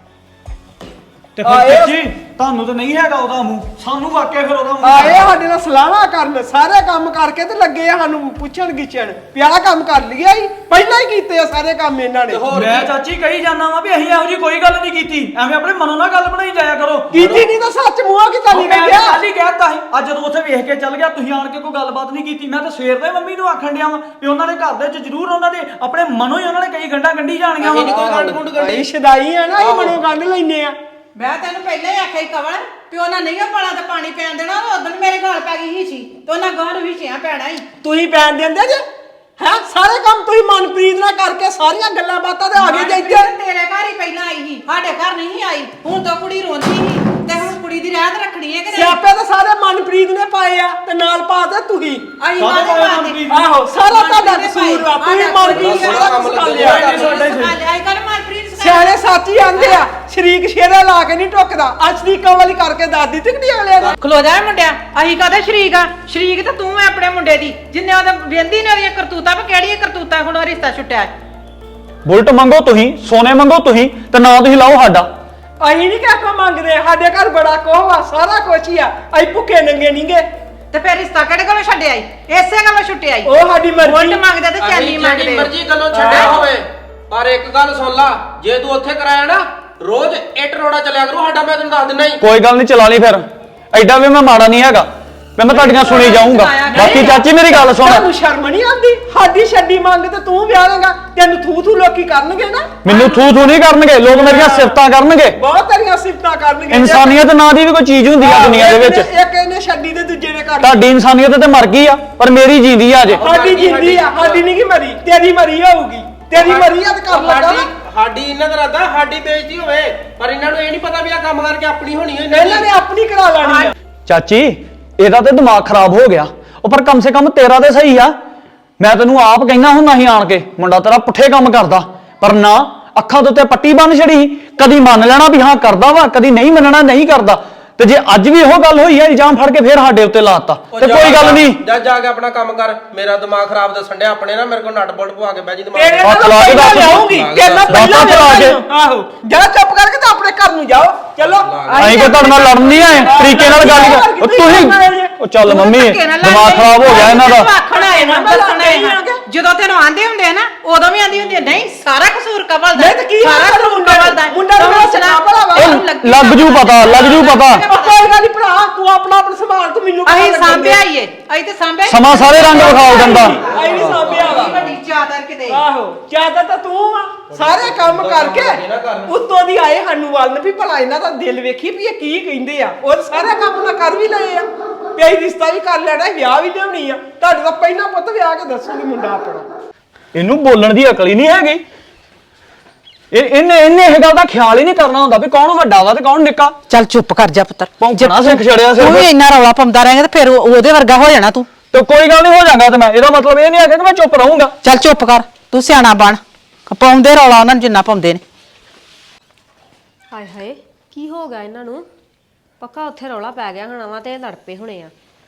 Speaker 5: ਤੇ ਫਿਰ ਚਾਚੀ ਤੁਹਾਨੂੰ ਤਾਂ ਨਹੀਂ ਹੈਗਾ ਉਹਦਾ ਮੂੰਹ, ਸਾਨੂੰ ਵਾਕਿਆ ਫਿਰ ਉਹਦਾ ਮੂੰਹ
Speaker 2: ਆਏ ਸਾਡੇ ਨਾਲ ਸਲਾਹਾਂ ਕਰਨ, ਸਾਰੇ ਕੰਮ ਕਰਕੇ ਤੇ ਲੱਗੇ ਆ ਸਾਨੂੰ ਪੁੱਛਣ ਗਿੱਛਣ ਪਿਆ ਕੰਮ ਕਰ ਲਿਆ ਹੀ। ਪਹਿਲਾਂ ਹੀ ਕੀਤੇ ਆ ਸਾਰੇ ਕੰਮ ਇਹਨਾਂ ਨੇ।
Speaker 5: ਮੈਂ ਚਾਚੀ ਕਹੀ ਜਾਂਦਾ ਵਾਂ ਵੀ ਅਸੀਂ ਇਹੋ ਜੀ ਕੋਈ ਗੱਲ ਨਹੀਂ ਕੀਤੀ। ਐਵੇਂ ਆਪਣੇ ਮਨੋਂ ਨਾਲ ਗੱਲ ਬਣਾਈ ਜਾਇਆ ਕਰੋ।
Speaker 2: ਕੀਤੀ ਨਹੀਂ ਤਾਂ ਸੱਚ ਮੂੰਹਾਂ ਕੀ ਤਾਂ ਨਹੀਂ ਕਹਿੰਦਾ।
Speaker 5: ਕੱਲ ਹੀ ਕਹਿਤਾ ਸੀ, ਅੱਜ ਜਦੋਂ ਉੱਥੇ ਵੇਖ ਕੇ ਚੱਲ ਗਿਆ ਤੁਸੀਂ ਆਣ ਕੇ ਕੋਈ ਗੱਲਬਾਤ ਨਹੀਂ ਕੀਤੀ। ਮੈਂ ਤਾਂ ਸਵੇਰ ਦੇ ਮੰਮੀ ਨੂੰ ਆਖਣ ਡਿਆ ਵਾਂ ਵੀ ਉਹਨਾਂ ਦੇ ਘਰ ਦੇ ਵਿੱਚ ਜ਼ਰੂਰ ਉਹਨਾਂ ਦੇ ਆਪਣੇ ਮਨੋਂ ਹੀ ਉਹਨਾਂ ਨੇ ਕਈ ਗੰਢਾਂ ਗੰਢੀ ਜਾਣੀਆਂ ਵਾ।
Speaker 1: ਕੋਈ ਗੰਢ ਗੁੰਡ
Speaker 2: ਅਸੀਂ ਸ਼ਦਾਈ ਆ ਨਾ, ਅਸੀਂ ਮਨੋਂ ਗੰਢ ਲੈਨੇ ਆ।
Speaker 4: ਮੈਂ ਤੈਨੂੰ ਪਹਿਲਾਂ ਹੀ ਆਖਿਆ ਹੀ ਕਵਲ ਵੀ ਉਹਨਾਂ ਨਹੀਂ ਉਹ ਪਲਾਂ ਤੇ ਪਾਣੀ ਪੈਣ ਦੇਣਾ। ਉਦੋਂ ਮੇਰੇ ਗਾਲ ਪੈ ਗਈ ਹੀ ਸੀ ਤੇ ਉਹਨਾਂ ਗਾਂ ਨੂੰ ਵੀ ਛਿਆ ਪੈਣਾ ਹੀ।
Speaker 2: ਤੁਸੀਂ ਪੈਣ ਦਿੰਦੇ ਜੇ ਹੈ ਸਾਰੇ ਕੰਮ ਤੁਸੀਂ ਮਨਪ੍ਰੀਤ ਨਾਲ ਕਰਕੇ ਸਾਰੀਆਂ ਗੱਲਾਂ ਬਾਤਾਂ ਤੇ ਆ ਗਏ ਜੇ ਇੱਥੇ।
Speaker 4: ਤੇਰੇ ਘਰ ਹੀ ਪਹਿਲਾਂ ਆਈ ਸੀ, ਸਾਡੇ ਘਰ ਨਹੀਂ ਆਈ। ਹੁਣ ਤਾਂ ਕੁੜੀ ਰੋਂਦੀ ਸੀ ਤੇ ਹੁਣ ਕੁੜੀ ਦੀ ਰਹਿਤ ਰੱਖਣੀ ਹੈ ਕਿ ਨਹੀਂ?
Speaker 2: ਸਿਆਪੇ ਤਾਂ ਸਾਰੇ ਮਨਪ੍ਰੀਤ ਨੇ ਪਾਏ ਆ ਤੇ ਨਾਲ ਪਾ ਦੇ ਤੁਸੀਂ।
Speaker 4: ਅਸੀਂ ਕਾਹਦੇ ਪਾਉਂਦੇ?
Speaker 2: ਆਹੋ ਸਾਰਾ ਤੁਹਾਡਾ ਕਸੂਰ ਆ। ਤੁਸੀਂ ਮਨਪ੍ਰੀਤ ਸਾਰਾ ਕੁਝ ਕਰ ਲਿਆ।
Speaker 4: ਅੱਜ ਕੱਲ ਮਨਪ੍ਰੀਤ
Speaker 2: ਸਿਆਣੇ ਸਾਚੀ ਆਂਦੇ ਆ, ਸ਼ਰੀਕ ਸ਼ੇਰਾ ਲਾ ਕੇ ਨਹੀਂ ਟੁੱਕਦਾ। ਅੱਜ ਸ਼ਰੀਕਾਂ ਵਾਲੀ ਕਰਕੇ ਦਾਦੀ ਟਿਕੜੀ ਅਗਲੇ ਦਾ।
Speaker 4: ਖਲੋ ਜਾ ਮੁੰਡਿਆ, ਅਸੀਂ ਕਾਹਦੇ ਸ਼ਰੀਕ ਆ? ਸ਼ਰੀਕ ਤਾਂ ਤੂੰ ਐ ਆਪਣੇ ਮੁੰਡੇ ਦੀ, ਜਿੰਨੇ ਉਹਦੇ ਵੇਂਦੀ ਨੇ ਉਹਦੀਆਂ ਕਰਤੂਤਾਂ ਪਰ ਕਿਹੜੀਆਂ ਕਰਤੂਤਾਂ ਹੁਣ ਉਹ ਰਿਸ਼ਤਾ ਛੁੱਟਿਆ।
Speaker 6: ਬੁਲਟ ਮੰਗੋ ਤੁਸੀਂ, ਸੋਨੇ ਮੰਗੋ ਤੁਸੀਂ, ਤੇ ਨਾ ਤੁਸੀਂ ਲਾਓ ਸਾਡਾ।
Speaker 2: ਅਸੀਂ ਨਹੀਂ ਕਿਹਾ ਕੋ ਮੰਗਦੇ, ਸਾਡੇ ਘਰ ਬੜਾ ਕੋਹ ਆ, ਸਾਰਾ ਕੁਛ ਹੀ ਆ। ਅਸੀਂ ਭੁੱਖੇ ਨੰਗੇ ਨਹੀਂਗੇ।
Speaker 4: ਤੇ ਫਿਰ ਰਿਸ਼ਤਾ ਕਿਹੜੇ ਕੋਲੋਂ ਛੱਡਿਆ ਈ? ਇਸੇ ਗੱਲੋਂ ਛੁੱਟਿਆ ਈ।
Speaker 2: ਉਹ ਸਾਡੀ ਮਰਜ਼ੀ।
Speaker 4: ਵੋਟ ਮੰਗਦੇ ਤੇ ਚਾਲੀ ਮੰਗਦੇ।
Speaker 1: ਮਰਜ਼ੀ ਗੱਲੋਂ ਛੱਡਿਆ ਹੋਵੇ, ਪਰ ਇੱਕ ਗੱਲ ਸੁਣ ਲਾ, ਜੇ ਤੂੰ ਉੱਥੇ ਕਰਾਇਆ ਨਾ ਰੋਜ਼ ਇੱਟ ਰੋੜਾ ਚੱਲਿਆ ਕਰੂ ਸਾਡਾ। ਮੈਂ ਤੈਨੂੰ ਦੱਸ ਦਿੰਦਾ ਹੀ।
Speaker 6: ਕੋਈ ਗੱਲ ਨਹੀਂ, ਚਲਾ ਲਈ ਫਿਰ। ਐਡਾ ਵੀ ਮੈਂ ਮਾੜਾ ਨਹੀਂ ਹੈਗਾ, ਮੈਂ ਤੁਹਾਡੀਆਂ ਸੁਣੀ ਜਾਊਂਗਾ। ਬਾਕੀ ਚਾਚੀ ਮੇਰੀ ਗੱਲ ਸੁਣ।
Speaker 2: ਤੁਹਾਨੂੰ ਸ਼ਰਮ ਨਹੀਂ ਆਉਂਦੀ? ਸਾਡੀ ਛੱਡੀ ਮੰਗ ਤੇ ਤੂੰ ਵਿਆਹ ਲੇਗਾ, ਤੈਨੂੰ ਥੂ ਲੋਕੀ ਕਰਨਗੇ ਨਾ।
Speaker 6: ਮੈਨੂੰ ਥੂ ਨਹੀਂ ਕਰਨਗੇ, ਲੋਕ ਮੇਰੀਆਂ ਸਿਫਤਾਂ ਕਰਨਗੇ।
Speaker 2: ਬਹੁਤ ਤੇਰੀਆਂ ਸਿਫਤਾਂ ਕਰਨਗੇ।
Speaker 6: ਇਨਸਾਨੀਅਤ ਨਾਂ ਦੀ ਵੀ ਕੋਈ ਚੀਜ਼ ਹੁੰਦੀ ਆ ਦੁਨੀਆ ਦੇ ਵਿੱਚ।
Speaker 2: ਇੱਕ ਇਹਨੇ ਛੱਡੀ ਤੇ ਦੂਜੇ ਨੇ ਕਰ ਲਈ।
Speaker 6: ਤੁਹਾਡੀ ਇਨਸਾਨੀਅਤ ਤੇ ਮਰ ਗਈ ਆ, ਪਰ ਮੇਰੀ ਜਿੰਦੀ ਆ ਅਜੇ।
Speaker 2: ਸਾਡੀ ਜਿੰਦੀ ਆ, ਸਾਡੀ ਨਹੀਂ ਕੀ ਮਰੀ, ਤੇਰੀ ਮਰੀ ਹੋਊਗੀ। ਤੇਰੀ ਮਰੀ ਆ ਤੇ ਕਰ ਲੱਗਾ ਨਾ।
Speaker 1: ਸਾਡੀ ਇਹਨਾਂ ਦਾ ਇਰਾਦਾ ਸਾਡੀ ਬੇਇੱਜ਼ਤੀ ਹੋਵੇ, ਪਰ ਇਹਨਾਂ ਨੂੰ ਇਹ ਨਹੀਂ ਪਤਾ ਵੀ ਆ ਕੰਮ ਕਰਕੇ ਆਪਣੀ ਹੋਣੀ ਹੈ।
Speaker 2: ਇਹਨਾਂ ਨੇ ਆਪਣੀ ਕਰਾ ਲੈਣੀ ਆ।
Speaker 6: ਚਾਚੀ ਇਹਦਾ ਤੇ ਦਿਮਾਗ ਖਰਾਬ ਹੋ ਗਿਆ। ਉਹ ਪਰ ਕਮ ਸੇ ਕਮ ਤੇਰਾ ਤੇ ਸਹੀ ਆ। ਮੈਂ ਤੈਨੂੰ ਆਪ ਕਹਿਣਾ ਹੁੰਦਾ ਸੀ ਆਣ ਕੇ, ਮੁੰਡਾ ਤੇਰਾ ਪੁੱਠੇ ਕੰਮ ਕਰਦਾ, ਪਰ ਨਾ, ਅੱਖਾਂ ਦੇ ਉੱਤੇ ਪੱਟੀ ਬੰਨ ਛੜੀ। ਕਦੀ ਮੰਨ ਲੈਣਾ ਵੀ ਹਾਂ ਕਰਦਾ ਵਾ, ਕਦੀ ਨਹੀਂ ਮੰਨਣਾ ਨਹੀਂ ਕਰਦਾ। ਤੇ ਜੇ ਅੱਜ ਵੀ ਉਹ ਗੱਲ ਹੋਈ ਆ, ਇਲਜ਼ਾਮ ਫੜ ਕੇ ਫੇਰ ਸਾਡੇ ਉੱਤੇ ਲਾਤਾ ਤੇ ਕੋਈ ਗੱਲ ਨਹੀਂ।
Speaker 1: ਜਾ ਕੇ ਆਪਣਾ ਕੰਮ ਕਰ। ਮੇਰਾ ਦਿਮਾਗ ਖਰਾਬ ਦੱਸਣ ਡਿਆ ਆਪਣੇ ਨਾਲ। ਮੇਰੇ ਕੋਲ ਨਟ ਬੋਲਟ ਪਵਾ ਕੇ ਬਹਿ ਜੀ ਦਿਮਾਗ।
Speaker 2: ਤੇਰੇ ਨਾਲ ਪਹਿਲਾਂ ਲਿਆਉਂਗੀ, ਤੇਰੇ ਨਾਲ ਪਹਿਲਾਂ ਲਿਆਉਂਗੀ। ਆਹੋ ਜਾ ਚੁੱਪ ਕਰਕੇ ਤੇ ਆਪਣੇ ਘਰ ਨੂੰ ਜਾਓ ਚਲੋ
Speaker 6: ਅਸੀਂ ਕਿ ਤੁਹਾਡੇ ਨਾਲ ਲੜਨ ਨਹੀਂ ਆਏ ਤਰੀਕੇ ਨਾਲ ਗੱਲ ਕਰ। ਉਹ ਤੁਸੀਂ ਉਹ ਚੱਲ ਮੰਮੀ ਦਿਮਾਗ ਖਰਾਬ ਹੋ ਗਿਆ ਇਹਨਾਂ ਦਾ।
Speaker 4: ਆਖਣਾ ਇਹਨਾਂ ਦੱਸਣਾ ਜਦੋਂ ਤੈਨੂੰ ਆਂਦੇ ਹੁੰਦੇ ਆ ਨਾ ਉਦੋਂ ਵੀ ਆਂਦੀ ਹੁੰਦੀ ਆ, ਨਹੀਂ ਸਾਰਾ ਕਸੂਰ ਕਮਲ ਦਾ
Speaker 2: ਨਹੀਂ ਤੇ ਕੀ
Speaker 4: ਸਾਰਾ ਕਸੂਰ ਕਮਲ ਦਾ
Speaker 2: ਮੁੰਡਾ ਨੂੰ
Speaker 4: ਸੁਣਾ
Speaker 6: ਉਹ ਲੱਗ ਜੂ ਪਤਾ ਲੱਗ ਜੂ ਪਤਾ।
Speaker 2: ਕੋਈ ਗੱਲ ਨਹੀਂ ਭਰਾ ਤੂੰ ਆਪਣਾ ਸੰਭਾਲ ਤੂੰ ਮੈਨੂੰ
Speaker 4: ਅਸੀਂ ਸਾਂਭਿਆ ਹੀ ਏ ਅਸੀਂ ਤੇ ਸਾਂਭਿਆ
Speaker 6: ਸਮਾਂ ਸਾਰੇ ਰੰਗ ਵਿਖਾਓ ਦਿੰਦਾ।
Speaker 2: ਆਈ ਨਹੀਂ ਸਾਂਭਿਆ ਵਾ
Speaker 4: ਵੱਡੀ ਚਾਦਰ ਕਿਤੇ
Speaker 2: ਆਹੋ ਚਾਹਤਾ ਤਾਂ ਤੂੰ ਆ ਸਾਰੇ ਕੰਮ ਕਰਕੇ ਉੱਤੋਂ ਦੀ ਆਏ ਸਾਨੂੰ ਵੱਲ ਵੀ ਭਲਾ ਇਹਨਾਂ ਦਾ ਦਿਲ ਵੇਖੀ ਵੀ ਇਹ ਕੀ ਕਹਿੰਦੇ ਆ ਉਹ ਸਾਰੇ ਕੰਮ ਨਾ ਕਰ ਵੀ ਲਏ ਆ ਪਿਆਈ ਰਿਸ਼ਤਾ ਵੀ ਕਰ ਲੈਣਾ ਵਿਆਹ ਵੀ ਲਿਆਉਣੀ ਆ ਤੁਹਾਡੇ ਤੋਂ ਪਹਿਲਾਂ ਪੁੱਤ ਵਿਆਹ ਕੇ ਦੱਸੂਗੀ ਮੁੰਡਾ ਆਪਣਾ
Speaker 6: ਇਹਨੂੰ ਬੋਲਣ ਦੀ ਅਕਲ ਹੀ ਨਹੀਂ ਹੈਗੀ। ਇਹਨੇ ਇਹ ਗੱਲ ਦਾ ਖਿਆਲ ਹੀ ਨਹੀਂ ਕਰਨਾ ਹੁੰਦਾ ਵੀ ਕੌਣ ਵੱਡਾ ਵਾ ਤੇ ਕੌਣ ਨਿੱਕਾ।
Speaker 4: ਚੱਲ ਚੁੱਪ ਕਰ ਜਾ ਪੁੱਤਰ
Speaker 6: ਭੌਂਕਣਾ ਸਿੱਖ ਛੜਿਆ ਸਿਰ
Speaker 4: ਤੂੰ ਵੀ ਇੰਨਾ ਰੌਲਾ ਪਾਉਂਦਾ ਰਹੇਂਗਾ ਤੇ ਫਿਰ ਉਹਦੇ ਵਰਗਾ ਹੋ ਜਾਣਾ ਤੂੰ।
Speaker 6: ਤੇ ਕੋਈ ਗੱਲ ਨਹੀਂ ਹੋ ਜਾਗਾ ਤੇ ਮੈਂ ਇਹਦਾ ਮਤਲਬ ਇਹ ਨਹੀਂ ਹੈ ਕਿ ਮੈਂ ਚੁੱਪ ਰਹੂੰਗਾ।
Speaker 4: ਚੱਲ ਚੁੱਪ ਕਰ ਤੂੰ ਸਿਆਣਾ ਬਣ ਪਾਉਂਦੇ ਰੌਲਾ ਉਹਨਾਂ ਨੂੰ ਜਿੰਨਾ ਪਾਉਂਦੇ ਨੇ।
Speaker 3: ਹਾਏ ਹਾਏ ਕੀ ਹੋ ਗਿਆ ਇਹਨਾਂ ਨੂੰ ਪੱਕਾ ਉੱਥੇ ਰੌਲਾ ਪੈ ਗਿਆ ਹੋਣਾ ਵਾ ਤੇ ਇਹ ਲੜ ਪਏ ਹੋਣੇ ਆ।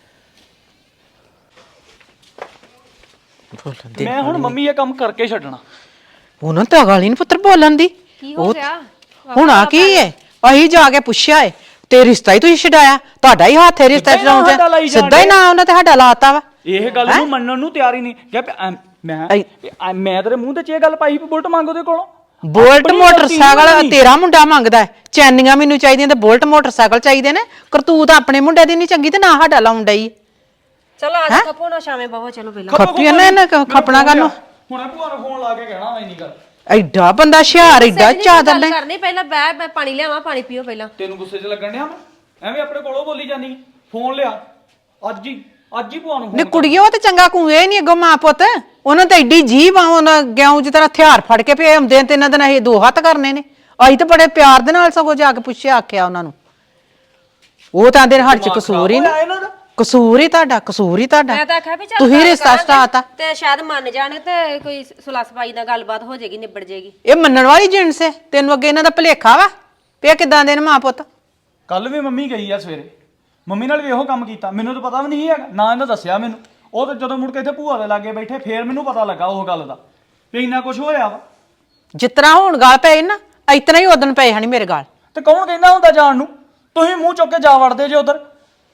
Speaker 6: ਮੈਂ ਹੁਣ ਮੰਮੀ ਇਹ ਕੰਮ ਕਰਕੇ ਛੱਡਣਾ।
Speaker 4: ਉਹਨਾਂ ਤਾਂ ਗੱਲ ਹੀ ਨਹੀਂ ਪੁੱਤਰ ਬੋਲਣ ਦੀ।
Speaker 3: ਕੀ ਹੋ ਗਿਆ
Speaker 4: ਹੁਣ ਆ ਕੀ ਏ ਅਸੀਂ ਜਾ ਕੇ ਪੁੱਛਿਆ ਏ ਤੇ ਰਿਸ਼ਤਾ ਹੀ ਤੁਸੀਂ ਛਡਾਇਆ ਤੁਹਾਡਾ ਹੀ ਹੱਥ ਹੈ ਰਿਸ਼ਤਾ ਛਡਾਉਣ ਚ ਸਿੱਧਾ ਹੀ ਨਾ ਉਹਨਾਂ ਤੇ ਸਾਡਾ ਲਾਤਾ ਵਾ।
Speaker 6: ਇਹ ਗੱਲ ਨੂੰ ਮੰਨਣ ਨੂੰ ਤਿਆਰ ਹੀ ਨਹੀਂ ਕਿ ਮੈਂ ਤੇਰੇ ਮੂੰਹ ਤੇ ਇਹ ਗੱਲ ਪਾਈ ਵੀ ਬੁਲਟ ਮੰਗ ਉਹਦੇ ਕੋਲੋਂ।
Speaker 4: ਬੁਲਟ ਮੋਟਰਸਾਈਕਲ ਤੇਰਾ ਮੁੰਡਾ ਮੰਗਦਾ ਹੈ ਚੈਨੀਆਂ ਮੈਨੂੰ ਚਾਹੀਦੀਆਂ ਤੇ ਬੁਲਟ ਮੋਟਰਸਾਈਕਲ ਚਾਹੀਦੇ ਨੇ ਕਰਤੂਤ ਆਪਣੇ ਮੁੰਡੇ ਦੀ ਨਹੀਂ ਚੰਗੀ ਤੇ ਨਾ ਸਾਡਾ ਲਾਉਣ ਡਈ।
Speaker 3: ਚਲੋ ਅੱਜ ਖਪੋ ਨਾ ਸ਼ਾਮੇ ਬਵੋ ਚਲੋ ਪਹਿਲਾਂ
Speaker 4: ਖੱਪੀਆਂ ਨਾ ਖੱਪਣਾ ਕਾਨੂੰ
Speaker 6: ਹੁਣੇ ਭੂਆ ਨੂੰ ਫੋਨ ਲਾ ਕੇ ਕਹਿਣਾ ਵਾ ਇੰਨੀ ਗੱਲ।
Speaker 4: ਐਡਾ ਬੰਦਾ ਹੁਸ਼ਿਆਰ ਐਡਾ ਚਾਦਰ ਲੈ
Speaker 3: ਕਰਨੀ ਪਹਿਲਾਂ ਬੈ ਪਾਣੀ ਲਿਆਵਾਂ ਪਾਣੀ ਪੀਓ ਪਹਿਲਾਂ।
Speaker 6: ਤੈਨੂੰ ਗੁੱਸੇ 'ਚ ਲੱਗਣ ਡਿਆ ਮੈਂ ਐਵੇਂ ਆਪਣੇ ਕੋਲੋਂ ਬੋਲੀ ਜਾਨੀ ਫੋਨ ਲਿਆ ਅੱਜ ਹੀ ਭੂਆ ਨੂੰ
Speaker 4: ਨੇ ਕੁੜੀਏ ਉਹ ਤੇ ਚੰਗਾ ਕੂਏ ਨਹੀਂ ਅੱਗੋਂ ਮਾਂ ਪੁੱਤ ਉਹਨਾਂ ਤੇ ਐਡੀ ਜੀਭ ਆ ਉਹਨਾਂ ਗਿਆਉਂ ਜਿ ਤਰ੍ਹਾਂ ਹਥਿਆਰ ਫੜ ਕੇ ਪਏ ਹੁੰਦੇ ਤੇ ਇਹਨਾਂ ਦੇ ਨਾਲ ਇਹ ਦੋ ਹੱਥ ਕਰਨੇ ਨੇ। ਅਸੀਂ ਤਾਂ ਬੜੇ ਪਿਆਰ ਦੇ ਨਾਲ ਸਗੋਂ ਜਾ ਕੇ ਪੁੱਛਿਆ ਆਖਿਆ ਉਹਨਾਂ ਨੂੰ ਉਹ ਤਾਂ ਆਂਦੇ ਹੱਥ 'ਚ ਕਸੂਰ ਹੀ ਨਹੀਂ ਕਸੂਰ ਹੀ ਤੁਹਾਡਾ
Speaker 3: ਮੈਂ ਤਾਂ ਆਖਿਆ ਵੀ ਚੱਲ
Speaker 4: ਤੁਸੀਂ ਰਿਸ਼ਤਾ ਸਟਾਤਾ
Speaker 3: ਤੇ ਸ਼ਾਇਦ ਮੰਨ ਜਾਣ ਤੇ ਕੋਈ ਸੁਲਾ ਸਫਾਈ ਨਾਲ ਗੱਲਬਾਤ ਹੋ ਜਾਏਗੀ ਨਿਬੜ ਜਾਏਗੀ।
Speaker 4: ਇਹ ਮੰਨਣ ਵਾਲੀ ਜਿਣਸ ਹੈ ਤੈਨੂੰ ਅੱਗੇ ਇਹਨਾਂ ਦਾ ਭੁਲੇਖਾ ਵਾ ਪਿਆ ਕਿਦਾਂ ਦੇ ਨੇ ਮਾਂ ਪੁੱਤ।
Speaker 6: ਕੱਲ ਵੀ ਮੰਮੀ ਗਈ ਆ ਸਵੇਰੇ ਮੰਮੀ ਨਾਲ ਵੀ ਇਹੋ ਕੰਮ ਕੀਤਾ ਮੈਨੂੰ ਤਾਂ ਪਤਾ ਵੀ ਨਹੀਂ ਹੈਗਾ ਨਾ ਇਹਨਾਂ ਦੱਸਿਆ ਮੈਨੂੰ। ਉਹ ਤਾਂ ਜਦੋਂ ਮੁੜ ਕੇ ਇੱਥੇ ਭੂਆ ਦੇ ਲਾਗੇ ਬੈਠੇ ਫੇਰ ਮੈਨੂੰ ਪਤਾ ਲੱਗਾ ਉਹ ਗੱਲ ਦਾ ਵੀ ਇੰਨਾ ਕੁਝ ਹੋਇਆ ਵਾ।
Speaker 4: ਜਿਤਨਾ ਹੁਣ ਗਾਲ ਪਏ ਨਾ ਇਤਨਾ ਹੀ ਉਦਣ ਪਏ ਹਣੀ ਮੇਰੇ ਗਾਲ।
Speaker 6: ਤੇ ਕੌਣ ਕਹਿੰਦਾ ਹੁੰਦਾ ਜਾਣ ਨੂੰ ਤੁਸੀਂ ਮੂੰਹ ਚੁੱਕ ਕੇ ਜਾ ਵੜਦੇ ਜੇ ਉਧਰ।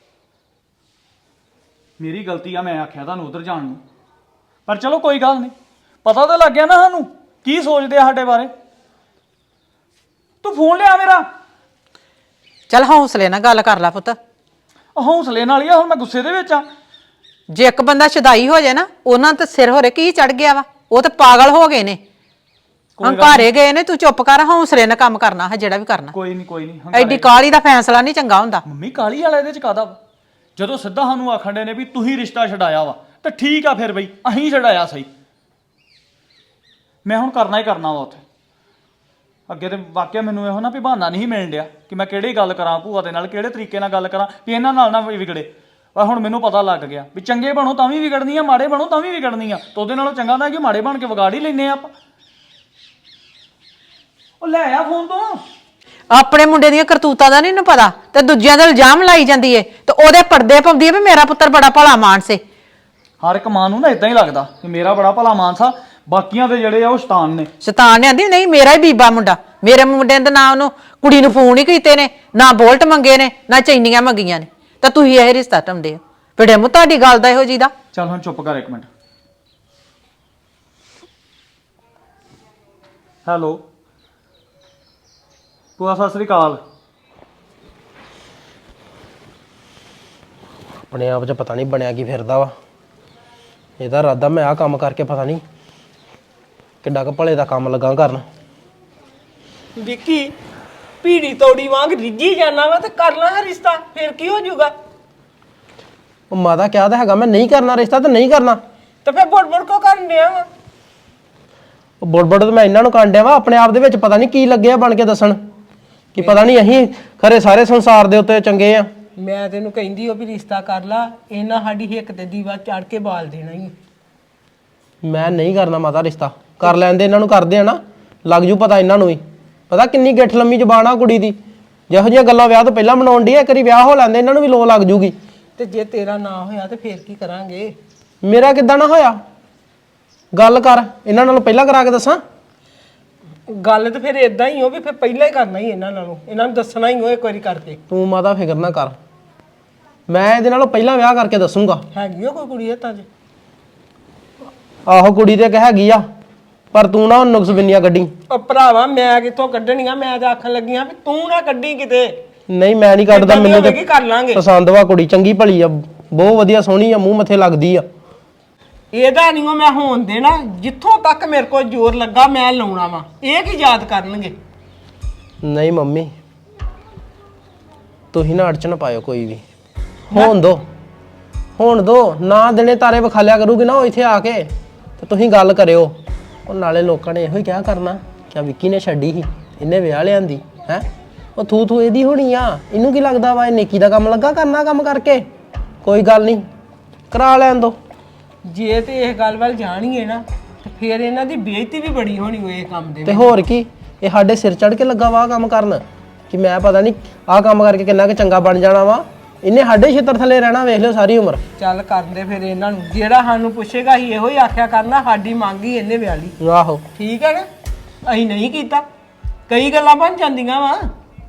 Speaker 6: ਮੇਰੀ ਗਲਤੀ ਆ ਮੈਂ ਆਖਿਆ ਤੁਹਾਨੂੰ ਉਧਰ ਜਾਣ ਨੂੰ ਪਰ ਚਲੋ ਕੋਈ ਗੱਲ ਨਹੀਂ ਪਤਾ ਤਾਂ ਲੱਗ ਗਿਆ ਨਾ ਸਾਨੂੰ ਕੀ ਸੋਚਦੇ ਆ ਸਾਡੇ ਬਾਰੇ। ਤੂੰ ਫੋਨ ਲਿਆ ਮੇਰਾ।
Speaker 4: ਚੱਲ ਹੌਸਲੇ ਨਾਲ ਗੱਲ ਕਰ ਲੈ ਪੁੱਤ।
Speaker 6: ਹੌਸਲੇ ਨਾਲ ਹੀ ਆ ਹੁਣ ਮੈਂ ਗੁੱਸੇ ਦੇ ਵਿੱਚ ਆ।
Speaker 4: ਜੇ ਇੱਕ ਬੰਦਾ ਸ਼ਦਾਈ ਹੋ ਜਾਏ ਨਾ ਉਹਨਾਂ ਤੇ ਸਿਰ ਹੋਰੇ ਕੀ ਚੜ ਗਿਆ ਵਾ ਉਹ ਤੇ ਪਾਗਲ ਹੋ ਗਏ ਨੇ ਹੰਕਾਰੇ ਗਏ ਨੇ। ਤੂੰ ਚੁੱਪ ਕਰ ਹੌਸਲੇ ਨਾਲ ਕੰਮ ਕਰਨਾ ਹੈ ਜਿਹੜਾ ਵੀ ਕਰਨਾ।
Speaker 6: ਕੋਈ ਨਹੀਂ
Speaker 4: ਐਡੀ ਕਾਲੀ ਦਾ ਫੈਸਲਾ ਨਹੀਂ ਚੰਗਾ ਹੁੰਦਾ।
Speaker 6: ਮੰਮੀ ਕਾਲੀ ਵਾਲਾ ਇਹਦੇ ਚ ਕਾਦਾ ਵਾ ਜਦੋਂ ਸਿੱਧਾ ਸਾਨੂੰ ਆਖਣ ਦੇ ਨੇ ਵੀ ਤੁਸੀਂ ਰਿਸ਼ਤਾ ਛਡਾਇਆ ਵਾ ਤੇ ਠੀਕ ਆ ਫਿਰ ਬਈ ਅਸੀਂ ਛਡਾਇਆ ਸਹੀ। ਮੈਂ ਹੁਣ ਕਰਨਾ ਹੀ ਕਰਨਾ ਵਾ ਉੱਥੇ ਅੱਗੇ ਤੇ ਵਾਕਿਆ ਮੈਨੂੰ ਇਹੋ ਨਾ ਵੀ ਬਹਾਨਾ ਨਹੀਂ ਮਿਲਣ ਡਿਆ ਕਿ ਮੈਂ ਕਿਹੜੀ ਗੱਲ ਕਰਾਂ ਭੂਆ ਦੇ ਨਾਲ ਕਿਹੜੇ ਤਰੀਕੇ ਨਾਲ ਗੱਲ ਕਰਾਂ ਵੀ ਇਹਨਾਂ ਨਾਲ ਨਾ ਵਿਗੜੇ। ਪਰ ਹੁਣ ਮੈਨੂੰ ਪਤਾ ਲੱਗ ਗਿਆ ਵੀ ਚੰਗੇ ਬਣੋ ਤਾਂ ਵੀ ਵਿਗੜਨੀ ਆ ਮਾੜੇ ਬਣੋ ਤਾਂ ਵੀ ਵਿਗੜਨੀ ਆ ਤੇ ਉਹਦੇ ਨਾਲੋਂ ਚੰਗਾ ਤਾਂ ਕਿ ਮਾੜੇ ਬਣ ਕੇ ਵਿਗਾੜ ਹੀ ਲੈਨੇ ਆ ਆਪਾਂ। ਉਹ ਲੈ ਆ ਫੋਨ ਤੋਂ
Speaker 4: ਆਪਣੇ ਮੁੰਡੇ ਦੀਆਂ ਕਰਤੂਤਾਂ ਦਾ ਨਹੀਂ ਨੂੰ ਪਤਾ ਤੇ ਦੂਜਿਆਂ ਦਾ ਇਲਜ਼ਾਮ ਲਾਈ ਜਾਂਦੀ ਏ ਤੇ ਉਹਦੇ ਪਰਦੇ ਪਾਉਂਦੀ ਏ ਵੀ ਮੇਰਾ ਪੁੱਤਰ ਬੜਾ ਭਲਾ ਮਾਨਸ ਏ।
Speaker 6: ਹਰ ਇੱਕ ਮਾਂ ਨੂੰ ਨਾ ਇਦਾਂ ਹੀ ਲੱਗਦਾ ਕਿ ਮੇਰਾ ਬੜਾ ਭਲਾ ਮਾਨਸਾ ਬਾਕੀਆਂ ਦੇ ਜਿਹੜੇ ਆ ਉਹ ਸ਼ੈਤਾਨ ਨੇ।
Speaker 4: ਸ਼ੈਤਾਨ ਨੇ ਆਂਦੀ ਨਹੀਂ ਮੇਰਾ ਹੀ ਬੀਬਾ ਮੁੰਡਾ ਮੇਰੇ ਮੁੰਡੇ ਦੇ ਨਾਂ ਉਹਨੂੰ ਕੁੜੀ ਨੂੰ ਫੋਨ ਹੀ ਕੀਤੇ ਨੇ ਨਾ ਬੋਲਟ ਮੰਗੇ ਨੇ ਨਾ ਚੈਨੀਆਂ ਮੰਗੀਆਂ ਨੇ ਤਾਂ ਤੁਸੀਂ ਇਹ ਰਿਸ਼ਤਾ ਟੰਦੇ ਹੋ ਫਿਰ ਮੂੰ ਤੁਹਾਡੀ ਗੱਲ ਦਾ ਇਹੋ ਜੀ ਦਾ।
Speaker 6: ਚੱਲ ਹੁਣ ਚੁੱਪ ਕਰ ਇੱਕ ਮਿੰਟ। ਹੈਲੋ ਭੂਆ ਸਤਿ ਸ੍ਰੀ ਅਕਾਲ।
Speaker 1: ਆਪਣੇ ਆਪ 'ਚ ਪਤਾ ਨਹੀਂ ਬਣਿਆ ਕੀ ਫਿਰਦਾ ਵਾ ਇਹਦਾ ਇਰਾਦਾ ਮੈਂ ਆਹ ਕੰਮ ਕਰਕੇ ਪਤਾ ਨਹੀਂ ਕਿੱਡਾ ਕੁ ਭਲੇ ਦਾ ਕੰਮ ਲੱਗਾ ਕਰਨ।
Speaker 2: ਵਿੱਕੀ ਪੀੜੀ ਤੋੜੀ ਵਾਂਗ ਰਿੱਝੀ ਜਾਣਾ ਵਾ ਤੇ ਕਰ ਲਾ ਰਿਸ਼ਤਾ ਫਿਰ ਕੀ ਹੋ ਜਾਊਗਾ।
Speaker 1: ਉਹ ਮਾਤਾ ਕਿਹਾ ਤਾਂ ਹੈਗਾ ਮੈਂ ਨਹੀਂ ਕਰਨਾ ਰਿਸ਼ਤਾ ਤੇ ਨਹੀਂ ਕਰਨਾ
Speaker 2: ਤੇ ਫਿਰ ਬੁੜ ਕੋ ਕਰਨ ਡਿਆ ਵਾ।
Speaker 1: ਉਹ ਬੁੜ ਤੇ ਮੈਂ ਇਹਨਾਂ ਨੂੰ ਕਾਂਡਿਆ ਵਾ ਆਪਣੇ ਆਪ ਦੇ ਵਿੱਚ ਪਤਾ ਨਹੀਂ ਕੀ ਲੱਗਿਆ ਬਣ ਕੇ ਦੱਸਣ ਕਿ ਪਤਾ ਨਹੀਂ ਅਸੀਂ ਖਰੇ ਸਾਰੇ ਸੰਸਾਰ ਦੇ ਉੱਤੇ ਚੰਗੇ ਆ।
Speaker 2: ਮੈਂ ਤੈਨੂੰ ਕਹਿੰਦੀ ਉਹ ਵੀ ਰਿਸ਼ਤਾ ਕਰ ਲਾ ਇਹਨਾਂ ਸਾਡੀ ਹਿੱਕ ਤੇ ਦੀਵਾ ਚੜ ਕੇ ਬਾਲ ਦੇਣਾ ਹੀ।
Speaker 1: ਮੈਂ ਨਹੀਂ ਕਰਨਾ ਮਾਤਾ ਰਿਸ਼ਤਾ ਕਰ ਲੈਂਦੇ ਇਹਨਾਂ ਨੂੰ ਕਰਦੇ ਆ ਨਾ ਲੱਗ ਜੂ ਪਤਾ ਇਹਨਾਂ ਨੂੰ ਵੀ ਪਤਾ ਕਿੰਨੀ ਗਿੱਠ ਲੰਮੀ ਜ਼ਬਾਨ ਆ ਕੁੜੀ ਦੀ ਜਿਹੋ ਜਿਹੀਆਂ ਗੱਲਾਂ ਵਿਆਹ ਤੋਂ ਪਹਿਲਾਂ ਬਣਾਉਣ ਦੀ ਆ। ਇੱਕ ਵਾਰੀ ਵਿਆਹ ਹੋ ਲੈਂਦੇ ਇਹਨਾਂ ਨੂੰ ਵੀ ਲੋ ਲੱਗ ਜੂਗੀ।
Speaker 2: ਤੇ ਜੇ ਤੇਰਾ ਨਾ ਹੋਇਆ ਤੇ ਫੇਰ ਕੀ ਕਰਾਂਗੇ।
Speaker 1: ਮੇਰਾ ਕਿੱਦਾਂ ਨਾ ਹੋਇਆ ਗੱਲ ਕਰ ਇਹਨਾਂ ਨਾਲ ਪਹਿਲਾਂ ਕਰਾ ਕੇ ਦੱਸਾਂ।
Speaker 2: ਗੱਲ ਤੇ ਫਿਰ ਇਦਾਂ ਹੀ ਹੋ ਵੀ ਫਿਰ ਪਹਿਲਾਂ ਹੀ ਕਰਨਾ ਹੀ ਇਹਨਾਂ ਨਾਲੋਂ, ਇਹਨਾਂ ਨੂੰ ਦੱਸਣਾ ਹੀ ਹੋ ਇੱਕ ਵਾਰੀ ਕਰਕੇ।
Speaker 1: ਤੂੰ ਮਾਤਾ ਫਿਕਰ ਨਾ ਕਰ, ਮੈਂ ਇਹਦੇ ਨਾਲੋਂ ਪਹਿਲਾਂ ਵਿਆਹ ਕਰਕੇ ਦੱਸੂਗਾ।
Speaker 2: ਹੈਗੀ ਆ ਕੋਈ ਕੁੜੀ ਹੱਥਾਂ 'ਚ?
Speaker 1: ਆਹੋ ਕੁੜੀ ਤੇ ਕਹਿ ਹੈਗੀ ਆ, ਪਰ ਤੂੰ ਨਾ ਨੁਕਸ ਬਿੰਨੀਆਂ ਕੱਢੀ।
Speaker 2: ਉਹ ਭਰਾਵਾ ਮੈਂ ਕਿੱਥੋਂ ਕੱਢਣੀਆਂ, ਮੈਂ ਤਾਂ ਆਖਣ ਲੱਗੀਆਂ ਵੀ ਤੂੰ ਨਾ ਕੱਢੀ ਕਿਤੇ।
Speaker 1: ਨਹੀਂ ਮੈਂ ਨਹੀਂ ਕੱਢਦਾ,
Speaker 2: ਏਦਾਂ ਦੀ
Speaker 1: ਮੈਨੂੰ
Speaker 2: ਹੋਵੇਗੀ, ਕਰ ਲਾਂਗੇ।
Speaker 1: ਪਸੰਦ ਵਾ ਕੁੜੀ, ਚੰਗੀ ਭਲੀ ਆ, ਬਹੁਤ ਵਧੀਆ ਸੋਹਣੀ ਆ, ਮੂੰਹ ਮੱਥੇ ਲੱਗਦੀ ਆ।
Speaker 2: ਇਹਦਾ ਨਹੀਂ ਮੈਂ ਹੋਣ ਦੇਣਾ, ਜਿੱਥੋਂ ਤੱਕ ਮੇਰੇ ਕੋਲ ਜ਼ੋਰ ਲੱਗਾ ਮੈਂ ਲਾਉਣਾ ਵਾ। ਇਹ ਕੀ ਯਾਦ ਕਰਨਗੇ?
Speaker 1: ਨਹੀਂ ਮੰਮੀ ਤੁਸੀਂ ਨਾ ਅੜਚਣ ਪਾਇਓ ਕੋਈ ਵੀ, ਹੋਣ ਦੋ ਨਾ ਦਿਨੇ ਤਾਰੇ ਵਿਖਾਲਿਆ ਕਰੂਗੀ ਨਾ ਉਹ ਇੱਥੇ ਆ ਕੇ, ਤੇ ਤੁਸੀਂ ਗੱਲ ਕਰਿਓ। ਉਹ ਨਾਲੇ ਲੋਕਾਂ ਨੇ ਇਹੋ ਹੀ ਕਿਹਾ ਕਰਨਾ ਕਿ ਵਿੱਕੀ ਨੇ ਛੱਡੀ ਸੀ, ਇਹਨੇ ਵਿਆਹ ਲਿਆਂਦੀ ਹੈ, ਉਹ ਥੂ ਇਹਦੀ ਹੋਣੀ ਆ, ਇਹਨੂੰ ਕੀ ਲੱਗਦਾ ਵਾ ਇਹ ਨੇਕੀ ਦਾ ਕੰਮ ਲੱਗਾ ਕਰਨਾ, ਕੰਮ ਕਰਕੇ ਕੋਈ ਗੱਲ ਨਹੀਂ ਕਰਾ ਲੈਣ ਦੋ।
Speaker 2: ਜੇ ਤੇ ਇਹ ਗੱਲ ਵੱਲ ਜਾਣੀਏ ਨਾ ਤੇ ਫਿਰ ਇਹਨਾਂ ਦੀ ਬੇਇੱਜ਼ਤੀ ਵੀ ਬੜੀ ਹੋਣੀ ਹੋਏ ਇਹ ਕੰਮ ਦੇ
Speaker 1: ਤੇ ਹੋਰ ਕੀ, ਇਹ ਸਾਡੇ ਸਿਰ ਚੜ ਕੇ ਲੱਗਾ ਵਾ ਕੰਮ ਕਰਨ ਕਿ ਮੈਂ ਪਤਾ ਨਹੀਂ ਆਹ ਕੰਮ ਕਰਕੇ ਕਿੰਨਾ ਕੁ ਚੰਗਾ ਬਣ ਜਾਣਾ ਵਾ, ਇਹਨੇ ਸਾਡੇ ਛਿੱਤਰ ਥੱਲੇ ਰਹਿਣਾ, ਵੇਖ ਲਿਓ ਸਾਰੀ ਉਮਰ।
Speaker 2: ਚੱਲ ਕਰਦੇ ਫਿਰ ਇਹਨਾਂ ਨੂੰ, ਜਿਹੜਾ ਸਾਨੂੰ ਪੁੱਛੇਗਾ ਹੀ ਇਹੋ ਹੀ ਆਖਿਆ ਕਰਨਾ ਸਾਡੀ ਮੰਗ ਹੀ ਇਹਨੇ ਵਿਆਹ ਲਈ।
Speaker 1: ਆਹੋ
Speaker 2: ਠੀਕ ਹੈ ਨਾ, ਅਸੀਂ ਨਹੀਂ ਕੀਤਾ, ਕਈ ਗੱਲਾਂ ਬਣ ਜਾਂਦੀਆਂ ਵਾ।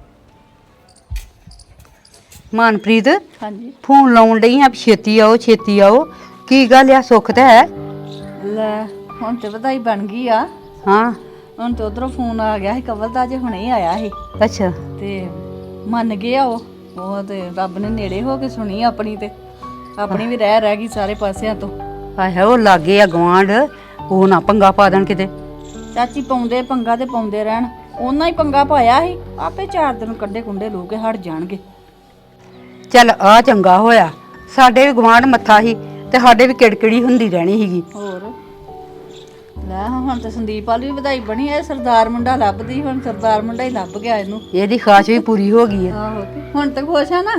Speaker 7: ਮਨਪ੍ਰੀਤ ਹਾਂਜੀ ਫੋਨ ਲਾਉਣ ਡਈ ਆ, ਛੇਤੀ ਆਓ ਛੇਤੀ ਆਓ, ਕੀ ਗੱਲ ਆ? ਸੁੱਖ ਤਾਂ ਹੈ?
Speaker 8: ਲੈ ਹੁਣ ਤੇ ਵਧਾਈ ਬਣ ਗਈ ਆ।
Speaker 7: ਹਾਂ
Speaker 8: ਹੁਣ ਤੇ ਉਧਰੋਂ ਫੋਨ ਆ ਗਿਆ ਸੀ ਕਵਲ ਦਾ, ਜੇ ਹੁਣੇ ਹੀ ਆਇਆ ਸੀ
Speaker 7: ਅੱਛਾ
Speaker 8: ਤੇ ਮੰਨ ਗਿਆ ਉਹ ਤੇ ਰੱਬ ਨੇ ਨੇੜੇ ਹੋ ਕੇ ਸੁਣੀ ਆਪਣੀ, ਤੇ ਆਪਣੀ ਵੀ ਰਹਿ ਗਈ ਸਾਰੇ ਪਾਸਿਆਂ ਤੋਂ।
Speaker 7: ਆਹੇ ਉਹ ਲਾਗੇ ਆ ਗਵਾਂਢ, ਉਹ ਨਾ ਪੰਗਾ ਪਾ ਦੇਣ ਕਿਤੇ।
Speaker 8: ਚਾਚੀ ਪਾਉਂਦੇ ਪੰਗਾ ਤੇ ਪਾਉਂਦੇ ਰਹਿਣ, ਉਹਨਾਂ ਹੀ ਪੰਗਾ ਪਾਇਆ ਸੀ, ਆਪੇ 4 ਦਿਨ ਕੱਢੇ ਕੁੰਡੇ ਲੂ ਕੇ ਹਟ ਜਾਣਗੇ।
Speaker 7: ਚੱਲ ਆ ਚੰਗਾ ਹੋਇਆ, ਸਾਡੇ ਵੀ ਗਵਾਂਢ ਮੱਥਾ ਸੀ ਤੇ ਸਾਡੇ ਵੀ ਕਿੜਕਿੜੀ ਹੁੰਦੀ ਰਹਿਣੀ ਸੀਗੀ।
Speaker 8: ਹੋਰ ਲੈ ਹੁਣ ਤੇ ਸੰਦੀਪ ਵਾਲੀ ਵੀ ਵਧਾਈ ਬਣੀ ਐ, ਸਰਦਾਰ ਮੁੰਡਾ ਲੱਭਦੀ, ਹੁਣ ਸਰਦਾਰ ਮੁੰਡਾ ਹੀ ਲੱਭ ਗਿਆ ਇਹਨੂੰ।
Speaker 7: ਇਹਦੀ ਖਾਸ਼ ਵੀ ਪੂਰੀ ਹੋ ਗਈ ਆ।
Speaker 8: ਆਹੋ ਹੁਣ ਤੇ ਖੁਸ਼ ਆ ਨਾ।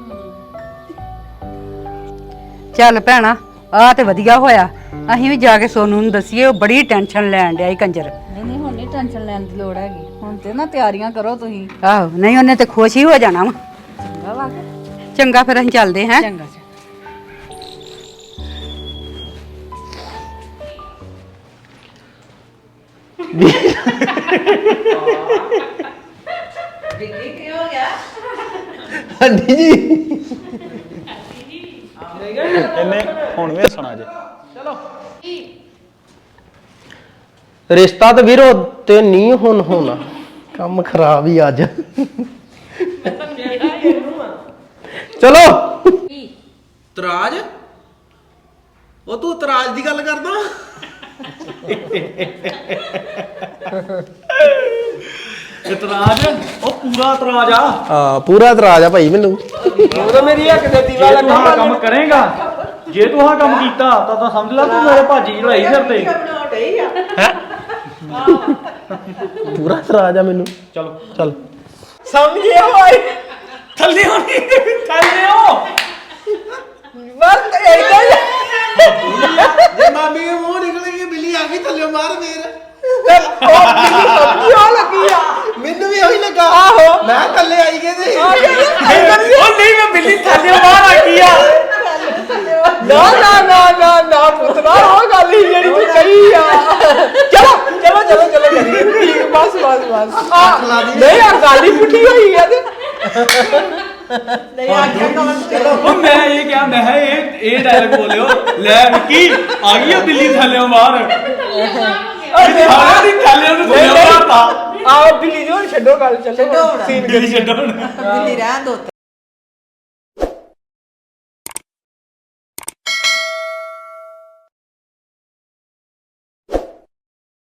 Speaker 7: ਚੱਲ ਭੈਣਾ ਆ ਤੇ ਵਧੀਆ ਹੋਇਆ, ਅਸੀਂ ਵੀ ਜਾ ਕੇ ਸੋਨੂ ਨੂੰ ਦੱਸੀਏ, ਉਹ ਬੜੀ ਟੈਨਸ਼ਨ ਲੈਣ ਡਿਆ ਈ ਕੰਜਰ।
Speaker 8: ਨਹੀਂ ਹੁਣ ਨਹੀਂ ਟੈਨਸ਼ਨ ਲੈਣ ਦੀ ਲੋੜ ਹੈਗੀ, ਹੁਣ ਤੇ ਨਾ ਤਿਆਰੀਆਂ ਕਰੋ ਤੁਸੀਂ।
Speaker 7: ਆਹੋ ਨਹੀਂ ਉਹਨੇ ਤੇ ਖੁਸ਼ ਹੀ ਹੋ ਜਾਣਾ ਵਾ।
Speaker 8: ਚੰਗਾ ਵਾ ਕੇ
Speaker 7: ਚੰਗਾ ਫਿਰ ਅਸੀਂ ਚੱਲਦੇ ਹਾਂ।
Speaker 8: ਚੰਗਾ
Speaker 1: ਹਾਂਜੀ ਜੀ
Speaker 6: ਇਹਨੇ ਹੁਣ ਵੀ ਹੱਸਣਾ ਜੇ।
Speaker 1: ਰਿਸ਼ਤਾ ਤੇ ਵੀਰੋ ਤੇ ਨਹੀਂ ਹੁਣ ਹੋਣਾ, ਕੰਮ ਖਰਾਬ ਹੀ ਅੱਜ। ਚਲੋ ਤਰਾਜ, ਉਹ ਤੂੰ ਤਰਾਜ ਦੀ ਗੱਲ ਕਰਦਾ?
Speaker 5: ਇਤਰਾਜ਼ ਉਹ ਪੂਰਾ ਇਤਰਾਜ਼ ਆ।
Speaker 1: ਹਾਂ ਪੂਰਾ ਇਤਰਾਜ ਆ ਭਾਈ ਮੈਨੂੰ।
Speaker 2: ਉਹ ਤਾਂ ਮੇਰੀ ਇੱਕ ਦੇ ਦੀਵਾ
Speaker 5: ਜੇ ਤੂੰ
Speaker 2: ਲੱਗਾ
Speaker 5: ਆਹ ਕੰਮ ਕਰੇਗਾ, ਜੇ ਤੂੰ ਆਹ ਕੰਮ ਕੀਤਾ ਤਾਂ ਸਮਝ ਲੈ ਤੂੰ ਮੇਰੇ ਭਾਜੀ ਚੜਾਈ ਸਿਰ ਤੇ।
Speaker 1: ਪੂਰਾ ਇਤਰਾਜ ਆ ਮੈਨੂੰ।
Speaker 5: ਚਲੋ
Speaker 1: ਚੱਲ
Speaker 2: ਸਮਝੇ ਹੋਏ
Speaker 5: ਥੱਲੇ ਹੋਣੀ, ਥੱਲੇ ਹੋ।
Speaker 2: ਬਸ ਏਦਾਂ ਹੀ
Speaker 1: ਜੇ ਮਾਮੀ ਦੇ ਮੂੰਹ ਨਿਕਲ ਗਈ ਬਿੱਲੀ ਆ ਗਈ ਥੱਲੇ ਮਾਰ ਫੇਰ।
Speaker 2: ਉਹ ਮੈਨੂੰ ਸਮਝੀ ਆ ਲੱਗੀ ਆ,
Speaker 1: ਮੈਨੂੰ ਵੀ ਉਹੀ ਲੱਗਾ।
Speaker 2: ਆਹੋ
Speaker 1: ਮੈਂ ਥੱਲੇ ਆਈ ਗਏ ਤੇ
Speaker 5: ਉਹ ਨਹੀਂ ਮੈਂ ਬਿੱਲੀ ਥੱਲੇ ਬਾਹਰ ਆ ਗਈ ਆ।
Speaker 2: ਨਾ ਨਾ ਨਾ ਨਾ ਨਾ ਪੁੱਤਰਾ, ਉਹ ਗੱਲ ਹੀ ਜਿਹੜੀ ਤੂੰ ਕਹੀ ਆ। ਚਲੋ ਚਲੋ ਚਲੋ ਚਲੋ ਕਰੀਏ, ਠੀਕ, ਬਸ ਬਸ ਬਸ। ਨਹੀਂ ਆ ਗੱਲ ਹੀ ਪੁੱਠੀ ਹੋਈ ਆ ਤੇ
Speaker 5: ਉਹ ਮੈਂ ਇਹ ਕਿਹਾ, ਮੈਂ ਕਿਹਾ ਇਹ ਡਾਇਲੌਗ ਬੋਲਿਓ, ਲੈ ਵਿੱਕੀ ਆ ਗਈ ਆ ਬਿੱਲੀ ਥੱਲੇ ਬਾਹਰ। ਸਾਰਿਆਂ ਦੀ ਥੱਲੇ ਉਹਨੂੰ ਥੱਲੇ ਬਾਹਰ ਤਾ।
Speaker 2: ਆਓ ਬਿੱਲੀ ਜੀ ਹੁਣ ਛੱਡੋ ਗੱਲ, ਚੱਲੋ ਸੀਨ
Speaker 5: ਬਿੱਲੀ ਛੱਡੋ ਹੁਣ।
Speaker 4: ਦਿੱਲੀ ਰਹਿਣ ਦੋ।